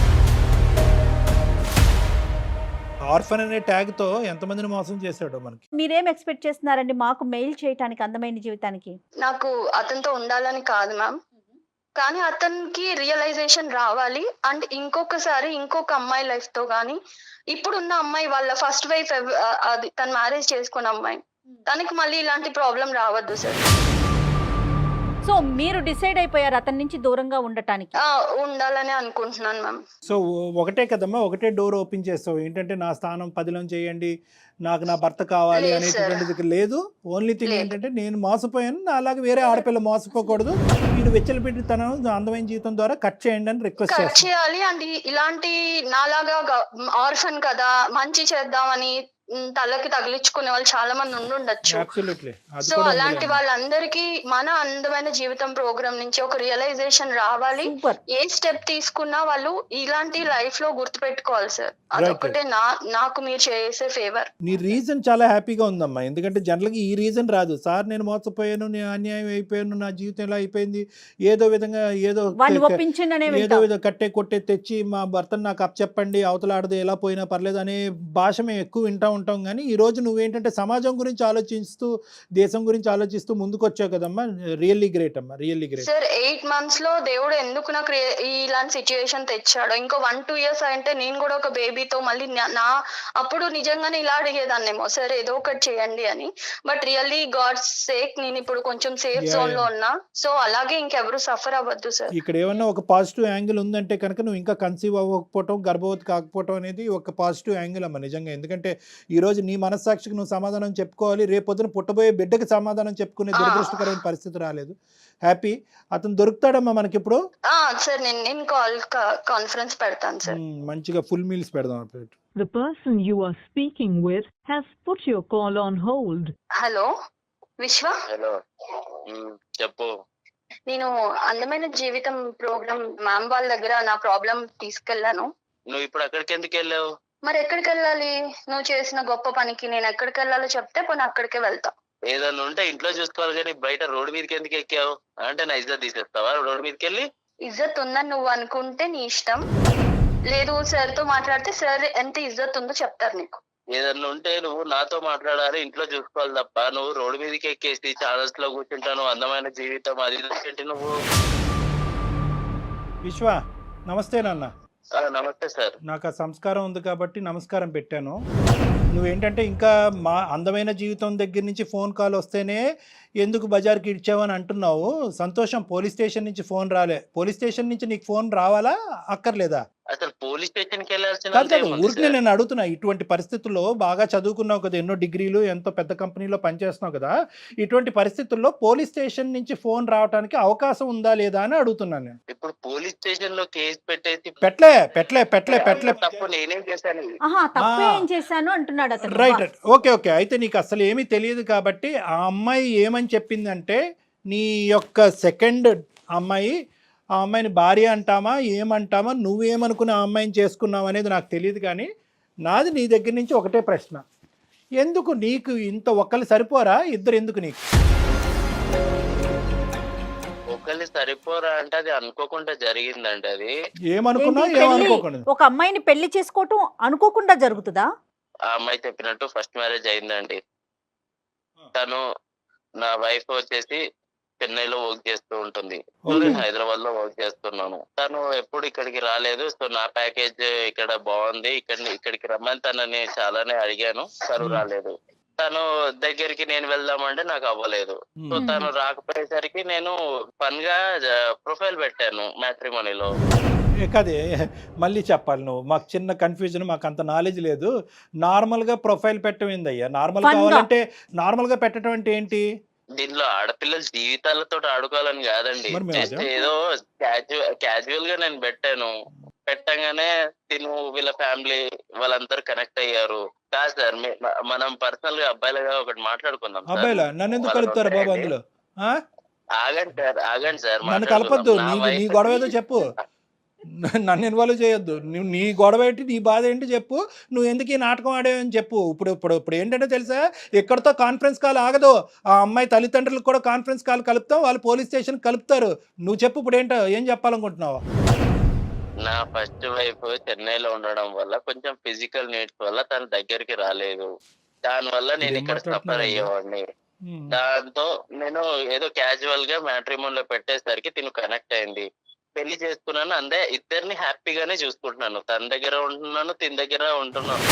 Speaker 3: ఆర్ఫన్ అనే ట్యాగ్తో ఎంతమందిని మోసం చేశాడో మనకి.
Speaker 2: మీరేం ఎక్స్పెక్ట్ చేస్తున్నారండి మాకు మెయిల్ చేయడానికి అందమైన జీవితానికి?
Speaker 4: నాకు అతనితో ఉండాలని కాదు మ్యామ్, కానీ అతనికి రియలైజేషన్ రావాలి. అండ్ ఇంకొకసారి ఇంకొక అమ్మాయి లైఫ్ తో కానీ, ఇప్పుడున్న అమ్మాయి వాళ్ళ ఫస్ట్ వైఫ్ అది తను మ్యారేజ్ చేసుకున్న అమ్మాయి, తనకి మళ్ళీ ఇలాంటి ప్రాబ్లం రావద్దు సార్.
Speaker 2: సో మీరు డిసైడ్ అయిపోయారు అతని నుంచి దూరంగా ఉండటానికి?
Speaker 4: ఆ, ఉండాలని అనుకుంటున్నాను మ్యామ్.
Speaker 3: సో ఒకటే కదమ్మా, ఒకటే డోర్ ఓపెన్ చేస్తావు ఏంటంటే నా స్థానం పదిలో చేయండి, నాకు నా భర్త కావాలి
Speaker 4: లేదు
Speaker 3: అనేటువంటిది లేదు. ఓన్లీ థింగ్
Speaker 4: లేదు.
Speaker 3: ఏంటంటే నేను మోసపోయాను, నా అలాగే వేరే ఆడపిల్ల మోసపోకూడదు, వీడు వెచ్చలు పెట్టి తన అందమైన జీవితం ద్వారా కట్ చేయండి అని రిక్వెస్ట్
Speaker 4: కట్
Speaker 3: చేస్తాను.
Speaker 4: చేయాలి. అండ్ ఈ- ఇలాంటి నాలాగా ఆర్ఫన్ కదా మంచి చేద్దామని ఉమ్, తలకి తగిలించుకునే వాళ్ళు చాలా మంది ఉండుండొచ్చు.
Speaker 3: అబ్సల్యూట్లీ, అది
Speaker 4: సో
Speaker 3: కూడా
Speaker 4: అలాంటి
Speaker 3: ఉందిలేండి.
Speaker 4: వాళ్ళందరికీ మన అందమైన జీవితం ప్రోగ్రామ్ నుంచి ఒక రియలైజేషన్ రావాలి.
Speaker 2: సూపర్.
Speaker 4: ఏ స్టెప్ తీసుకున్నా వాళ్ళు ఇలాంటి లైఫ్ లో గుర్తు పెట్టుకోవాలి సార్. అదొక్కటే నా నాకు మీరు చేసే ఫేవర్.
Speaker 3: నీ రీజన్ చాలా హ్యాపీగా ఉందమ్మా, ఎందుకంటే జనరల్గా ఈ రీజన్ రాదు. సార్ నేను మోసపోయాను, నేను అన్యాయం అయిపోయాను, నా జీవితం ఇలా అయిపోయింది, ఏదో విధంగా ఏదో
Speaker 2: వాడిని
Speaker 3: క-
Speaker 2: ఒప్పించండి
Speaker 3: ఏదో విధంగా కట్టే కొట్టే తెచ్చి మా భర్తను నాకు అప్పచెప్పండి, అవతల ఆడదు ఎలా పోయినా పర్లేదు అనే భాష మేము ఎక్కువ వింటూ ఉంటాం. కానీ ఈ రోజు నువ్వేంటంటే సమాజం గురించి ఆలోచిస్తూ, దేశం గురించి ఆలోచిస్తూ ముందుకు వచ్చావు కదమ్మా. రియల్లీ గ్రేట్ అమ్మా, really great.
Speaker 4: Sir eight months లో దేవుడు ఎందుకు నాకు రే- ఇలాంటి సిచ్యుయేషన్ తెచ్చాడో, ఇంకో వన్ టూ ఇయర్స్ అంటే నేను కూడా ఒక బేబీతో మళ్ళీ నా- నా అప్పుడు నిజంగానే ఇలా అడిగేదాన్నేమో, సార్ ఏదో ఒకటి చేయండి అని. బట్ రియల్లీ గాడ్ సేక్ నేను ఇప్పుడు కొంచెం సేఫ్
Speaker 3: Yeah,
Speaker 4: జోన్ లో
Speaker 3: yeah.
Speaker 4: ఉన్నా. సో అలాగే ఇంకెవరు సఫర్ అవ్వద్దు సార్.
Speaker 3: ఇక్కడ ఏమన్నా ఒక పాజిటివ్ యాంగిల్ ఉందంటే కనుక నువ్వు ఇంకా కన్సీవ్ అవ్వకపోవటం, గర్భవతి కాకపోవటం అనేది ఒక పాజిటివ్ యాంగిల్ అమ్మ నిజంగా. ఎందుకంటే ఈ రోజు నీ మనస్సాక్షికి నువ్వు సమాధానం చెప్పుకోవాలి, రేపొద్దున పుట్టబోయే బిడ్డకి సమాధానం చెప్పుకునే
Speaker 4: ఆ.
Speaker 3: దురదృష్టకరమైన పరిస్థితి రాలేదు. హ్యాపీ, అతను దొరుకుతాడమ్మా మనకి ఇప్పుడు.
Speaker 4: ఆ సార్ నేను నేను కాల్ కాన్ఫరెన్స్ పెడతాను సార్.
Speaker 3: మ్మ్, మంచిగా ఫుల్ మీల్స్ పెడదాం అప్పుడు.
Speaker 5: The person you are speaking with has put your call on hold.
Speaker 4: Hello Vishwa,
Speaker 6: hello um, చెప్పు.
Speaker 4: నేను అందమైన జీవితం ప్రోగ్రామ్ మ్యామ్ వాళ్ళ దగ్గర నా ప్రాబ్లం తీసుకెళ్లాను.
Speaker 6: నువ్వు ఇప్పుడు అక్కడికి ఎందుకు వెళ్ళావు?
Speaker 4: మరి ఎక్కడికి వెళ్ళాలి? నువ్వు చేసిన గొప్ప పనికి నేను ఎక్కడికి వెళ్ళాలో చెప్తే పోనీ అక్కడికే వెళ్తా.
Speaker 6: ఏదన్నా ఉంటే ఇంట్లో చూసుకోవాలి కానీ బయట రోడ్డు మీదకి ఎందుకు ఎక్కావు? అంటే నా ఇజ్జత్ తీసేస్తావా రోడ్డు మీదకి వెళ్ళి?
Speaker 4: ఇజ్జత్ ఉందని నువ్వు అనుకుంటే నీ ఇష్టం, లేదు సార్ తో మాట్లాడితే సార్ ఎంత ఇజ్జత్ ఉందో చెప్తారు నీకు.
Speaker 6: ఏదన్నా ఉంటే నువ్వు నాతో మాట్లాడాలి, ఇంట్లో చూసుకోవాలి తప్ప నువ్వు రోడ్డు మీదకి ఎక్కేసి ఛానల్స్ లో కూర్చుంటాను అందమైన జీవితం అది ఏంటి నువ్వు?
Speaker 3: విశ్వ నమస్తే నాన్న.
Speaker 6: ఆ, నమస్తే సార్.
Speaker 3: నాకు ఆ సంస్కారం ఉంది కాబట్టి నమస్కారం పెట్టాను. నువ్వేంటంటే ఇంకా మా అందమైన జీవితం దగ్గర నుంచి ఫోన్ కాల్ వస్తేనే ఎందుకు బజార్కి ఇచ్చావని అంటున్నావు. సంతోషం, పోలీస్ స్టేషన్ నుంచి ఫోన్ రాలే. పోలీస్ స్టేషన్ నుంచి నీకు ఫోన్ రావాలా అక్కర్లేదా?
Speaker 6: అసలు పోలీస్ స్టేషన్ కి వెళ్ళాల్సిన
Speaker 3: కాదు కాదు,
Speaker 6: ఏముంది
Speaker 3: ఊరికి
Speaker 6: సార్?
Speaker 3: నేను అడుగుతున్నా. ఇటువంటి పరిస్థితుల్లో బాగా చదువుకున్నావు కదా, ఎన్నో డిగ్రీలు, ఎంతో పెద్ద కంపెనీలో పనిచేస్తున్నావు కదా, ఇటువంటి పరిస్థితుల్లో పోలీస్ స్టేషన్ నుంచి ఫోన్ రావడానికి అవకాశం ఉందా లేదా అని అడుగుతున్నాను నేను.
Speaker 6: ఇప్పుడు పోలీస్ స్టేషన్ లో కేసు పెట్టేసి
Speaker 3: పెట్లే పెట్లే పెట్లే పెట్లే
Speaker 6: తప్పు నేనేం చేశాను?
Speaker 2: ఆహా తప్పు
Speaker 3: ఆ.
Speaker 2: ఏం చేశాను అంటున్నాడు అతను.
Speaker 3: Right, okay okay. అయితే నీకు అసలు ఏమీ తెలియదు కాబట్టి ఆ అమ్మాయి ఏమని చెప్పిందంటే, నీ యొక్క సెకండ్ అమ్మాయి, ఆ అమ్మాయిని భార్య అంటామా ఏమంటామా, నువ్వేమనుకుని ఆ అమ్మాయిని చేసుకున్నావు అనేది నాకు తెలియదు. కానీ నాది నీ దగ్గర నుంచి ఒకటే ప్రశ్న, ఎందుకు నీకు ఇంత ఒక్కళ్ళు సరిపోరా, ఇద్దరు ఎందుకు నీకు?
Speaker 6: ఒకళ్ళు సరిపోరా అంటే అది అనుకోకుండా జరిగిందండి. అది
Speaker 3: ఏమనుకున్నా
Speaker 2: ఏంటి పెళ్లి?
Speaker 3: ఏమనుకోకుండా.
Speaker 2: ఒక అమ్మాయిని పెళ్లి చేసుకోవటం అనుకోకుండా జరుగుతుందా?
Speaker 6: ఆ అమ్మాయి చెప్పినట్టు ఫస్ట్ మ్యారేజ్ అయిందండి. తను నా వైఫ్ వచ్చేసి చెన్నైలో వర్క్ చేస్తూ ఉంటుంది. So
Speaker 3: Okay.
Speaker 6: నేను హైదరాబాద్ లో వర్క్ చేస్తున్నాను. తను ఎప్పుడు ఇక్కడికి రాలేదు. సో నా ప్యాకేజ్ ఇక్కడ బాగుంది, ఇక్కడ ఇక్కడికి రమ్మని తనని చాలానే అడిగాను, తను
Speaker 3: Hmm.
Speaker 6: రాలేదు. తను దగ్గరికి నేను వెళ్దామంటే నాకు అవ్వలేదు. So
Speaker 3: Hmm.
Speaker 6: తను రాకపోయేసరికి నేను ఫన్ గా ప్రొఫైల్ పెట్టాను మ్యాట్రిమోనీలో.
Speaker 3: ఏ కదే మళ్ళీ చెప్పాలి నువ్వు, మాకు చిన్న కన్ఫ్యూజన్, మాకు అంత నాలెడ్జ్ లేదు. నార్మల్గా ప్రొఫైల్ పెట్టమైంది అయ్యా, నార్మల్
Speaker 2: Fun గా.
Speaker 3: కావాలంటే నార్మల్గా పెట్టడం అంటే ఏంటి?
Speaker 6: దీనిలో ఆడపిల్లల జీవితాలతో ఆడుకోవాలని కాదండి,
Speaker 3: మరి మేము
Speaker 6: జస్ట్
Speaker 3: అదే.
Speaker 6: ఏదో క్యాజువల్ క్యాజువల్ గా నేను పెట్టాను. పెట్టగానే తిను వీళ్ళ ఫ్యామిలీ వాళ్ళందరూ కనెక్ట్ అయ్యారు. కాదు సార్, మీ- మ- మనం పర్సనల్ గా అబ్బాయిలుగా ఒకటి మాట్లాడుకుందాం సార్.
Speaker 3: అబ్బాయిలా నన్ను ఎందుకు
Speaker 6: వాళ్ళ
Speaker 3: కలుపుతారు బాబు
Speaker 6: ఒకటే
Speaker 3: అందులో? ఆ?
Speaker 6: ఆగండి సార్, ఆగండి సార్,
Speaker 3: నన్ను
Speaker 6: మాట్లాడుకుందాం.
Speaker 3: కలపొద్దు,
Speaker 6: నా
Speaker 3: నీ నీ
Speaker 6: wife-
Speaker 3: గొడవ ఏదో చెప్పు. నన్ను ఇన్వాల్వ్ చేయొద్దు. నువ్వు నీ గొడవ ఏంటి, నీ బాధ ఏంటి చెప్పు. నువ్వు ఎందుకు ఈ నాటకం ఆడేవని చెప్పు. ఇప్పుడు ఇప్పుడు ఇప్పుడు ఏంటంటే తెలుసా, ఎక్కడితో కాన్ఫరెన్స్ కాల్ ఆగదు. ఆ అమ్మాయి తల్లిదండ్రులకు కూడా కాన్ఫరెన్స్ కాల్ కలుపుతాం, వాళ్ళు పోలీస్ స్టేషన్ కలుపుతారు. నువ్వు చెప్పు ఇప్పుడు ఏంటో, ఏం చెప్పాలనుకుంటున్నావు?
Speaker 6: నా ఫస్ట్ వైఫ్ చెన్నైలో ఉండడం వల్ల కొంచెం ఫిజికల్ నీడ్స్ వల్ల తన దగ్గరికి రాలేదు. దాని వల్ల నేను
Speaker 3: ఏం
Speaker 6: ఇక్కడ సఫర్
Speaker 3: మాట్లాడుతున్నావు?
Speaker 6: అయ్యేవాడిని.
Speaker 3: ఉమ్.
Speaker 6: దాంతో నేను ఏదో క్యాజువల్ గా మ్యాట్రిమోన్ లో పెట్టేసరికి తిను కనెక్ట్ అయింది. పెళ్లి చేసుకున్నాను, అందే ఇద్దరిని హ్యాపీగానే చూసుకుంటున్నాను. తన దగ్గర ఉంటున్నాను, తిన దగ్గర ఉంటున్నాను.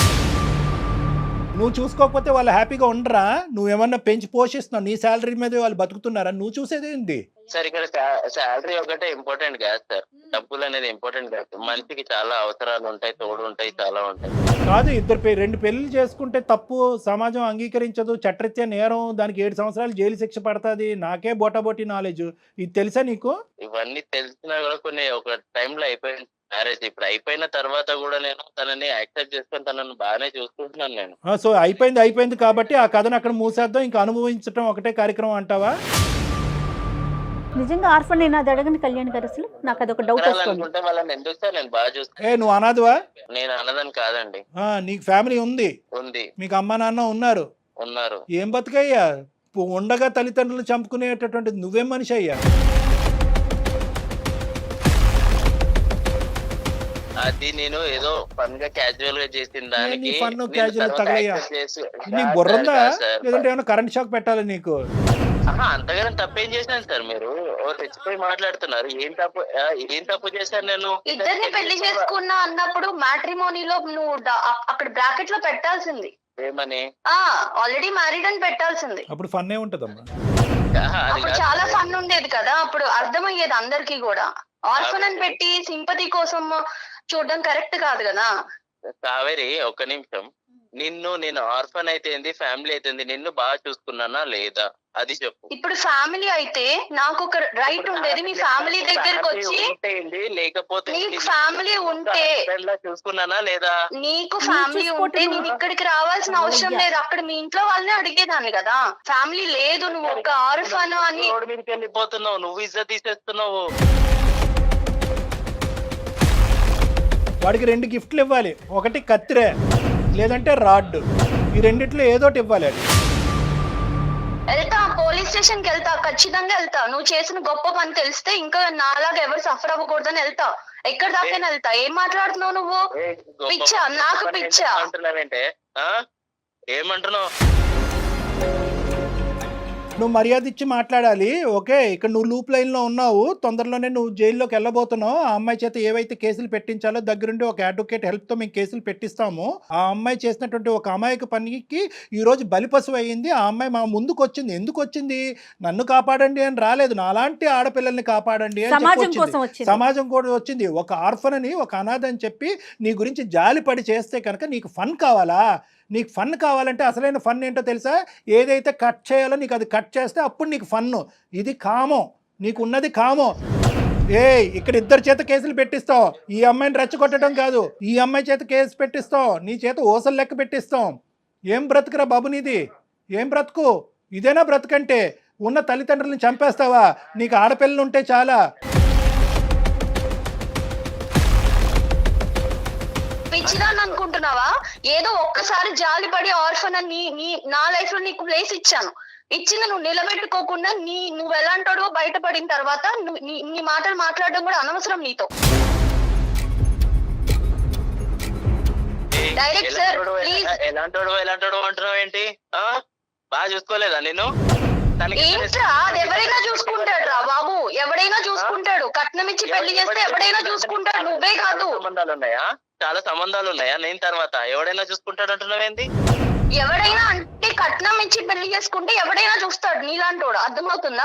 Speaker 3: నువ్వు చూసుకోకపోతే వాళ్ళు హ్యాపీగా ఉండరా? నువ్వేమన్నా పెంచి పోషిస్తున్నావు, నీ శాలరీ మీద వాళ్ళు బతుకుతున్నారా? నువ్వు చూసేది ఏంటి?
Speaker 6: సార్ ఇక్కడ శాలరీ ఒకటే ఇంపార్టెంట్ కాదు సార్, డబ్బులు అనేది ఇంపార్టెంట్ కాదు. మనిషికి చాలా అవసరాలు ఉంటాయి, తోడు ఉంటాయి, చాలా ఉంటాయి.
Speaker 3: కాదు, ఇద్దరు పె- రెండు పెళ్లి చేసుకుంటే తప్పు, సమాజం అంగీకరించదు, చట్టరీత్యా నేరం, దానికి ఏడు సంవత్సరాలు జైలు శిక్ష పడుతుంది. నాకే బోటాబోటీ నాలెడ్జ్, ఇది తెలుసా నీకు?
Speaker 6: ఇవన్నీ తెలిసినా కూడా కొన్ని ఒక టైంలో అయిపోయింది మ్యారేజ్. ఇప్పుడు అయిపోయిన తర్వాత కూడా నేను తనని యాక్సెప్ట్ చేసుకొని తనని బాగానే చూసుకుంటున్నాను నేను.
Speaker 3: ఆ, సో అయిపోయింది అయిపోయింది కాబట్టి ఆ కథను అక్కడ మూసేద్దాం, ఇంకా అనుభవించడం ఒకటే కార్యక్రమం అంటావా?
Speaker 2: నిజంగా ఆర్ఫన్ నేను అది అడగని కళ్యాణ్ గారు, అసలు నాకు అదొక డౌట్ వస్తుంది.
Speaker 6: అనుకుంటే వాళ్ళని ఎందుకు సార్ నేను బాగా చూస్తాను.
Speaker 3: ఏ నువ్వు అనాథవా?
Speaker 6: నేను అన్నదని కాదండి,
Speaker 3: ఆ, నీకు ఫ్యామిలీ ఉంది,
Speaker 6: ఉంది,
Speaker 3: మీకు అమ్మ నాన్న ఉన్నారు.
Speaker 6: ఉన్నారు.
Speaker 3: ఏం బతుకయ్యా, పు- ఉండగా తల్లిదండ్రులు చంపుకునేటటువంటి నువ్వేం మనిషి అయ్యా?
Speaker 6: అది నేను ఏదో ఫన్ గా క్యాజువల్ గా చేసిన దానికి
Speaker 3: నీ fun,
Speaker 6: నేను
Speaker 3: casual
Speaker 6: తర్వాత
Speaker 3: తగలయ్యా?
Speaker 6: accept చేసి-
Speaker 3: నీ
Speaker 6: కాదు
Speaker 3: బుర్ర
Speaker 6: సార్,
Speaker 3: ఉందా?
Speaker 6: కాదు సార్.
Speaker 3: లేదంటే ఏమైనా కరెంట్ షాక్ పెట్టాలి నీకు?
Speaker 6: ఆహా, అంతగానే తప్పేం చేశాను సార్? మీరు ఓ తెచ్చిపోయి మాట్లాడుతున్నారు. ఏం తప్పు ఆ, ఏం తప్పు చేశాను నేను?
Speaker 4: ఇద్దరిని పెళ్లి చేసుకున్నా అన్నప్పుడు మ్యాట్రిమోనీలో నువ్వు డ- అ- అక్కడ బ్రాకెట్ లో పెట్టాల్సింది.
Speaker 6: ఏమని?
Speaker 4: ఆ ఆల్రెడీ మ్యారీడ్ అని పెట్టాల్సింది.
Speaker 3: అప్పుడు ఫన్ ఏ ఉంటదమ్మా.
Speaker 6: ఆహా, అది
Speaker 4: అప్పుడు
Speaker 6: కాదు
Speaker 4: చాలా
Speaker 6: సార్.
Speaker 4: ఫన్ ఉండేది కదా, అప్పుడు అర్థమయ్యేది అందరికి కూడా. ఆర్ఫన్ అని పెట్టి సింపతి కోసం చూడడం కరెక్ట్ కాదు కదా.
Speaker 6: కావేరి ఒక్క నిమిషం, నిన్ను నేను ఆర్ఫన్ అయితే ఫ్యామిలీ అయితే నిన్ను బాగా చూసుకున్నానా లేదా అది చెప్పు.
Speaker 4: ఇప్పుడు ఫ్యామిలీ అయితే నాకు ఒక రైట్ ఉండేది, మీ ఫ్యామిలీ దగ్గరకు వచ్చి
Speaker 6: ఉంటేంది, లేకపోతే
Speaker 4: నీకు
Speaker 6: నిన్ను
Speaker 4: ఫ్యామిలీ ఉంటే
Speaker 6: husband లా చూసుకున్నానా లేదా?
Speaker 4: నీకు
Speaker 2: నేను
Speaker 4: ఫ్యామిలీ
Speaker 2: చూసుకోవటం
Speaker 4: ఉంటే నేను
Speaker 2: నువ్వు-
Speaker 4: ఇక్కడికి రావాల్సిన అవసరం
Speaker 2: అయ్యా.
Speaker 4: లేదు. అక్కడ మీ ఇంట్లో వాళ్ళని అడిగేదాన్ని కదా. ఫ్యామిలీ లేదు, నువ్వు ఒక ఆర్ఫన్ అని.
Speaker 6: రోడ్డు మీదకి వెళ్ళిపోతున్నావు, నువ్వు ఇజ్జత్ తీసేస్తున్నావు.
Speaker 3: వాడికి రెండు గిఫ్ట్లు ఇవ్వాలి, ఒకటి కత్తిరే లేదంటే రాడ్, ఈ రెండిట్లో ఏదోటి ఇవ్వాలి. అది
Speaker 4: వెళ్తా పోలీస్ స్టేషన్ కి వెళ్తా, ఖచ్చితంగా వెళ్తా. నువ్వు చేసిన గొప్ప పని తెలిస్తే ఇంకా నాలాగా ఎవరు సఫర్ అవ్వకూడదని వెళ్తా. ఎక్కడ దాకా వెళ్తా. ఏం మాట్లాడుతున్నావు నువ్వు?
Speaker 6: ఏ, గొప్ప
Speaker 4: పిచ్చా, నాకు
Speaker 6: పని
Speaker 4: పిచ్చా.
Speaker 6: అంటున్నావేంటే? ఆ? ఏమంటున్నావు?
Speaker 3: నువ్వు మర్యాద ఇచ్చి మాట్లాడాలి. ఓకే, ఇక్కడ నువ్వు లూప్ లైన్లో ఉన్నావు, తొందరలోనే నువ్వు జైల్లోకి వెళ్ళబోతున్నావు. ఆ అమ్మాయి చేత ఏవైతే కేసులు పెట్టించాలో దగ్గరుండి ఒక అడ్వకేట్ హెల్ప్తో మేము కేసులు పెట్టిస్తాము. ఆ అమ్మాయి చేసినటువంటి ఒక అమాయక పనికి ఈరోజు బలిపశువు అయ్యింది. ఆ అమ్మాయి మా ముందుకు వచ్చింది. ఎందుకు వచ్చింది? నన్ను కాపాడండి అని రాలేదు, నాలాంటి ఆడపిల్లల్ని కాపాడండి అని
Speaker 2: సమాజం
Speaker 3: చెప్పి
Speaker 2: కోసం
Speaker 3: వచ్చింది.
Speaker 2: వచ్చింది.
Speaker 3: సమాజం కూడా వచ్చింది. ఒక ఆర్ఫన్ అని, ఒక అనాథ అని చెప్పి నీ గురించి జాలిపడి చేస్తే కనుక నీకు ఫన్ కావాలా? నీకు ఫన్ కావాలంటే అసలైన ఫన్ ఏంటో తెలుసా? ఏదైతే కట్ చేయాలో నీకు అది కట్ చేస్తే అప్పుడు నీకు ఫన్ను. ఇది కామం, నీకు ఉన్నది కామం. ఏ ఇక్కడ ఇద్దరు చేత కేసులు పెట్టిస్తావు. ఈ అమ్మాయిని రెచ్చగొట్టడం కాదు, ఈ అమ్మాయి చేత కేసు పెట్టిస్తావు, నీ చేత ఓసలు లెక్క పెట్టిస్తాం. ఏం బ్రతుకురా బాబు నీది? ఏం బ్రతుకు? ఇదేనా బ్రతుకంటే? ఉన్న తల్లిదండ్రులను చంపేస్తావా? నీకు ఆడపిల్లలు ఉంటే చాలా.
Speaker 4: పిచ్చిదాన్ని అనుకుంటున్నావా? ఏదో ఒక్కసారి జాలిపడి ఆర్ఫన్ అని నీ- నీ నా లైఫ్ లో నీకు ప్లేస్ ఇచ్చాను. ఇచ్చింది నువ్వు నిలబెట్టుకోకుండా నీ నువ్వు ఎలాంటాడో బయటపడిన తర్వాత నువ్వు- నీ నీ మాటలు మాట్లాడడం కూడా అనవసరం నీతో.
Speaker 6: ఏ,
Speaker 4: Direct sir,
Speaker 6: ఎలాంటోడు,
Speaker 4: please.
Speaker 6: ఎలా- ఎలాంటోడు ఎలాంటోడు అంటున్నావు ఏంటి? ఆ? బాగా చూసుకోలేదా నేను? తనకి
Speaker 4: ఏంట్రా అది ఎవరైనా చూసుకుంటాడు రా బాబు, ఎవడైనా చూసుకుంటాడు. కట్నం ఇచ్చి పెళ్లి చేస్తే ఎవడైనా చూసుకుంటాడు, నువ్వే కాదు.
Speaker 6: సంబంధాలు ఉన్నాయా? చాలా సంబంధాలు ఉన్నాయా? నేను తర్వాత ఎవడైనా చూసుకుంటాడు అంటున్నావేంది?
Speaker 4: ఎవడైనా అంటే కట్నం ఇచ్చి పెళ్లి చేసుకుంటే ఎవడైనా చూస్తాడు నీలాంటోడు, అర్థమవుతుందా?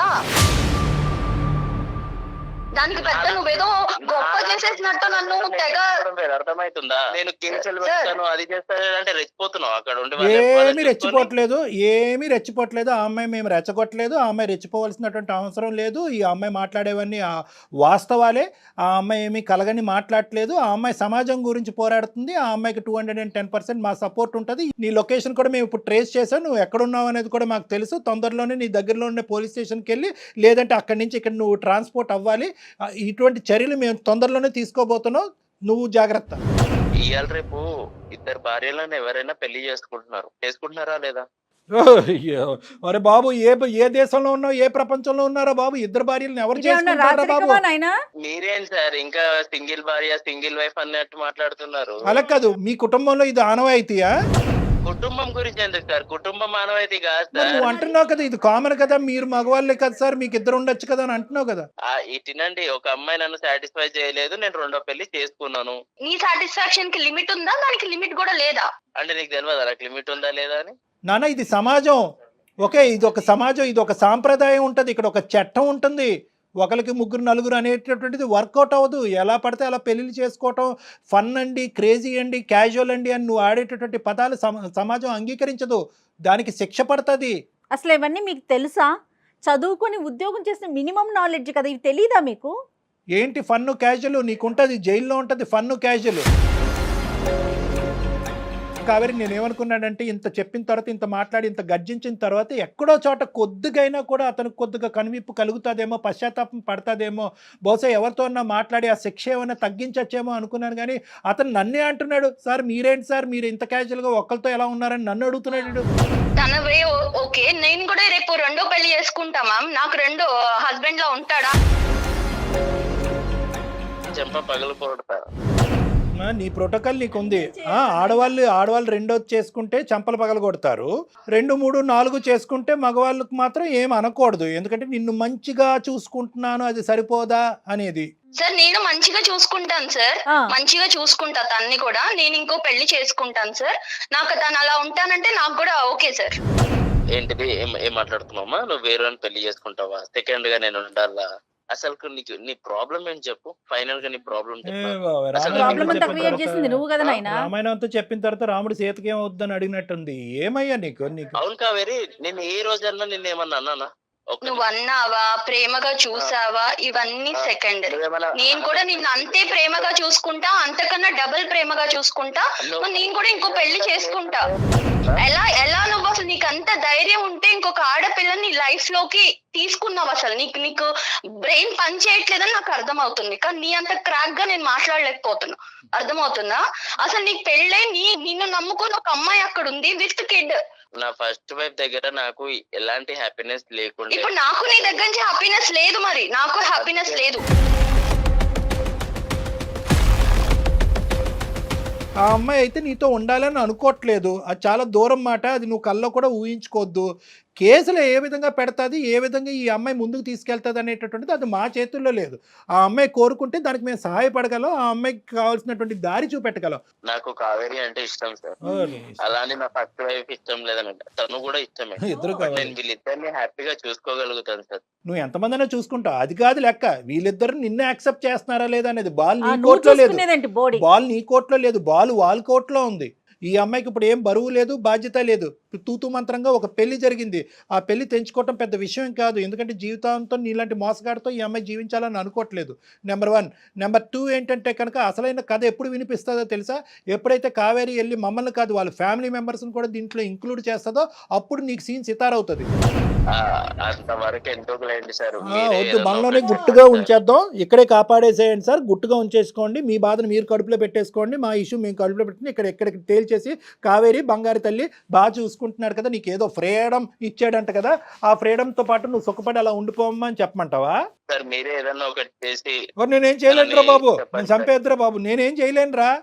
Speaker 4: దానికి పెద్ద నువ్వేదో గొప్ప చేసేసినట్టు నన్ను తెగ
Speaker 6: అర్థమవుతుందా? నేను కేసులు
Speaker 4: Sir.
Speaker 6: పెడతాను అది చేస్తాను అంటే రెచ్చిపోతున్నావు అక్కడ ఉండి.
Speaker 3: ఏమీ రెచ్చిపోవట్లేదు, ఏమీ రెచ్చిపోవట్లేదు. ఆ అమ్మాయి మేము రెచ్చగొట్టలేదు, ఆ అమ్మాయి రెచ్చిపోవాల్సినటువంటి అవసరం లేదు. ఈ అమ్మాయి మాట్లాడేవన్నీ ఆ వాస్తవాలే. ఆ అమ్మాయి ఏమీ కలగని మాట్లాడట్లేదు. ఆ అమ్మాయి సమాజం గురించి పోరాడుతుంది. ఆ అమ్మాయికి two hundred and ten percent మా సపోర్ట్ ఉంటుంది. నీ లొకేషన్ కూడా మేము ఇప్పుడు ట్రేస్ చేసాం, నువ్వు ఎక్కడున్నావు అనేది కూడా మాకు తెలుసు. తొందరలోనే నీ దగ్గరలో ఉండే పోలీస్ స్టేషన్కి వెళ్ళి, లేదంటే అక్కడి నుంచి ఇక్కడ నువ్వు ట్రాన్స్పోర్ట్ అవ్వాలి. ఆ, ఇటువంటి చర్యలు మేము తొందరలోనే తీసుకోబోతున్నాం, నువ్వు జాగ్రత్త.
Speaker 6: ఇవాళ రేపు ఇద్దరు భార్యలను ఎవరైనా పెళ్లి చేసుకుంటున్నారు, చేసుకుంటున్నారా లేదా?
Speaker 3: అయ్యో, అరే బాబు, ఏ ఏ దేశంలో ఉన్నావు, ఏ ప్రపంచంలో ఉన్నారో బాబు? ఇద్దరు భార్యలను ఎవరు చేసుకుంటారా బాబు?
Speaker 6: మీరేం సార్ ఇంకా సింగిల్ భార్య సింగిల్ వైఫ్ అన్నట్టు మాట్లాడుతున్నారు?
Speaker 3: అలా కాదు, మీ కుటుంబంలో ఇది ఆనవాయితీయా?
Speaker 6: కుటుంబం గురించి ఎందుకు సార్? కుటుంబం మానవైతే కాదు
Speaker 3: మరి
Speaker 6: సార్.
Speaker 3: నువ్వు అంటున్నావు కదా ఇది కామన్ కదా, మీరు మగవాళ్ళే కదా సార్, మీకు ఇద్దరు ఉండొచ్చు కదా అని అంటున్నావు కదా.
Speaker 6: ఆ, ఇటినండి, ఒక అమ్మాయి నన్ను సాటిస్ఫై చేయలేదు, నేను రెండో పెళ్లి చేసుకున్నాను.
Speaker 4: నీ సాటిస్ఫాక్షన్ కి లిమిట్ ఉందా? దానికి లిమిట్ కూడా లేదా?
Speaker 6: అంటే నీకు తెలియదు నాకు లిమిట్ ఉందా లేదా అని?
Speaker 3: నాన్న, ఇది సమాజం. ఓకే, ఇది ఒక సమాజం, ఇది ఒక సాంప్రదాయం ఉంటుంది, ఇక్కడ ఒక చట్టం ఉంటుంది. ఒకరికి ముగ్గురు నలుగురు అనేటటువంటిది వర్కౌట్ అవ్వదు. ఎలా పడితే అలా పెళ్ళిళ్ళు చేసుకోవటం ఫన్ అండి, క్రేజీ అండి, క్యాజువల్ అండి అని నువ్వు ఆడేటటువంటి పదాలు సమ- సమాజం అంగీకరించదు. దానికి శిక్ష పడుతుంది.
Speaker 2: అసలు ఇవన్నీ మీకు తెలుసా? చదువుకొని ఉద్యోగం చేసిన మినిమం నాలెడ్జ్ కదా, ఇవి తెలీదా మీకు?
Speaker 3: ఏంటి ఫన్ను క్యాజువల్? నీకుంటుంది, జైల్లో ఉంటుంది ఫన్ను క్యాజువల్. కావేరి, నేను ఏమనుకున్నానంటే ఇంత చెప్పిన తర్వాత, ఇంత మాట్లాడి, ఇంత గర్జించిన తర్వాత ఎక్కడో చోట కొద్దిగైనా కూడా అతనికి కొద్దిగా కనువిప్పు కలుగుతుందేమో, పశ్చాత్తాపం పడతాదేమో, బహుశా ఎవరితో అన్నా మాట్లాడి ఆ శిక్ష ఏమైనా తగ్గించచ్చేమో అనుకున్నాను. కానీ అతను నన్నే అంటున్నాడు, సార్ మీరేంటి సార్, మీరు ఇంత క్యాజువల్గా ఒక్కరితో ఎలా ఉన్నారని నన్ను అడుగుతున్నాడు.
Speaker 4: తన వే ఓకే, నేను కూడా రేపు రెండో పెళ్లి చేసుకుంటా మ్యామ్. నాకు రెండో హస్బెండ్ లా ఉంటాడా?
Speaker 6: చెంప పగలు కొడతారు.
Speaker 3: ఆ, నీ ప్రోటోకాల్ నీకు ఉంది. ఆ, ఆడవాళ్ళు ఆడవాళ్ళు రెండోది చేసుకుంటే చంపలు పగల కొడతారు, రెండు మూడు నాలుగు చేసుకుంటే మగవాళ్ళకు మాత్రం ఏం అనకూడదు. ఎందుకంటే నిన్ను మంచిగా చూసుకుంటున్నాను, అది సరిపోదా అనేది.
Speaker 4: సార్ నేను మంచిగా చూసుకుంటాను సార్,
Speaker 2: ఆ.
Speaker 4: మంచిగా చూసుకుంటా తన్ని కూడా. నేను ఇంకో పెళ్లి చేసుకుంటాను సార్. నాకు తను అలా ఉంటానంటే నాకు కూడా ఓకే సార్.
Speaker 6: ఏంటిది? ఏం ఏం మాట్లాడుతున్నావమ్మా? నువ్వు వేరే పెళ్లి చేసుకుంటావా? సెకండ్ గా నేను ఉండాలా? అసలు నీకు నీ ప్రాబ్లం ఏంటి చెప్పు? ఫైనల్ గా నీ ప్రాబ్లం
Speaker 3: ఏ
Speaker 6: చెప్పు.
Speaker 3: బాబోయ్,
Speaker 6: అసలు
Speaker 3: రామాయణం
Speaker 2: ప్రాబ్లం అంతా
Speaker 3: చెప్పిన
Speaker 2: క్రియేట్
Speaker 3: తర్వాత-
Speaker 2: చేసింది నువ్వు కదా నాయనా.
Speaker 3: రామాయణం అంతా చెప్పిన తర్వాత రాముడు సీతకి ఏమవుద్దని అడిగినట్టుంది. ఏమయ్యా నీకు నీకు
Speaker 6: అవును కావేరి, నేను ఏ రోజన్నా నిన్న ఏమన్నా అన్నానా? ఒక్క
Speaker 4: నువ్వు అన్నావా, ప్రేమగా చూసావా, ఇవన్నీ సెకండ్.
Speaker 6: నువ్వేమన్నా-
Speaker 4: నేను కూడా నిన్ను అంతే ప్రేమగా చూసుకుంటా, అంతకన్నా డబుల్ ప్రేమగా చూసుకుంటా. నువ్వు నేను కూడా ఇంకో పెళ్లి చేసుకుంటా. ఎలా ఎలా నువ్వు అసలు నీకు అంత ధైర్యం ఉంటే ఇంకొక ఆడపిల్లని లైఫ్ లోకి తీసుకున్నావు? అసలు నీకు నీకు బ్రెయిన్ పని చేయట్లేదని నాకు అర్థమవుతుంది, కానీ నీ అంత క్రాక్ గా నేను మాట్లాడలేకపోతున్నా. అర్థమవుతుందా? అసలు నీకు పెళ్ళే, నీ నిన్ను నమ్ముకుని ఒక అమ్మాయి అక్కడ ఉంది విత్ కిడ్.
Speaker 6: నా ఫస్ట్ వైఫ్ దగ్గర నాకు ఎలాంటి హ్యాపీనెస్ లేకుండా
Speaker 4: ఇప్పుడు నాకు నీ దగ్గర నుంచి హ్యాపీనెస్ లేదు, మరి నాకు హ్యాపీనెస్ లేదు.
Speaker 3: ఆ అమ్మాయి అయితే నీతో ఉండాలని అనుకోవట్లేదు. అది చాలా దూరం మాట, అది నువ్వు కల్లో కూడా ఊహించుకోవద్దు. కేసులు ఏ విధంగా పెడతాది, ఏ విధంగా ఈ అమ్మాయి ముందుకు తీసుకెళ్తుంది అనేటటువంటిది అది మా చేతుల్లో లేదు. ఆ అమ్మాయి కోరుకుంటే దానికి మేము సహాయపడగలం, ఆ అమ్మాయికి కావాల్సినటువంటి దారి చూపెట్టగలం.
Speaker 6: నాకు కావేరి అంటే ఇష్టం సార్.
Speaker 3: ఓ, నీ ఇష్టం.
Speaker 6: అలానే నా ఫస్ట్ వైఫ్ ఇష్టం లేదనంట, తను కూడా ఇష్టమే.
Speaker 3: ఇద్దరు
Speaker 6: బట్
Speaker 3: కావాలి.
Speaker 6: నేను వీళ్ళిద్దరిని హ్యాపీగా చూసుకోగలుగుతాను సార్.
Speaker 3: నువ్వు ఎంతమందినా చూసుకుంటావు, అది కాదు లెక్క. వీళ్ళిద్దరు నిన్నే యాక్సెప్ట్ చేస్తున్నారా లేదా అనేది బాల్
Speaker 2: ఆ,
Speaker 3: నీ
Speaker 2: నువ్వు
Speaker 3: కోర్టులో లేదు.
Speaker 2: చూసుకునేదేంటి బాడీ?
Speaker 3: బాల్ నీ కోర్టులో లేదు, బాల్ వాళ్ళ కోర్టులో ఉంది. ఈ అమ్మాయికి ఇప్పుడు ఏం బరువు లేదు, బాధ్యత లేదు. తూతూ మంత్రంగా ఒక పెళ్లి జరిగింది. ఆ పెళ్లి తెంచుకోవటం పెద్ద విషయం కాదు, ఎందుకంటే జీవితాంతం నీలాంటి మోసగాడితో ఈ అమ్మాయి జీవించాలని అనుకోవట్లేదు. Number one. నెంబర్ టూ ఏంటంటే కనుక అసలైన కథ ఎప్పుడు వినిపిస్తుందో తెలుసా? ఎప్పుడైతే కావేరి వెళ్ళి మమ్మల్ని కాదు వాళ్ళ ఫ్యామిలీ మెంబర్స్ని కూడా దీంట్లో ఇంక్లూడ్ చేస్తుందో అప్పుడు నీకు సీన్ సితారవుతుంది.
Speaker 6: ఆ, అంతవరకు ఎందుకు లేండి సార్.
Speaker 3: ఆ,
Speaker 6: మీరే
Speaker 3: వద్దు,
Speaker 6: ఏదన్నా
Speaker 3: మనలోనే
Speaker 6: ఒకటి
Speaker 3: గుట్టుగా
Speaker 6: చెప్పండి సార్.
Speaker 3: ఉంచేద్దాం, ఇక్కడే కాపాడేసేయండి సార్. గుట్టుగా ఉంచేసుకోండి, మీ బాధను మీరు కడుపులో పెట్టేసుకోండి, మా ఇష్యూ మేము కడుపులో పెట్టుకుని ఇక్కడ ఎక్కడికి తేల్చేసి కావేరి బంగారు తల్లి బాగా చూసుకుంటున్నాడు కదా, నీకు ఏదో ఫ్రీడమ్ ఇచ్చాడంట కదా, ఆ ఫ్రీడమ్తో పాటు నువ్వు సుఖపడి అలా ఉండిపోమ్మా అని చెప్పమంటావా?
Speaker 6: సార్ మీరే ఏదన్నా ఒకటి చేసి
Speaker 3: ఓ, నేనేం చేయలేనురా బాబు,
Speaker 6: చెప్పండి
Speaker 3: నేను చంపేద్దురా బాబు, నేనేం చేయలేనురా.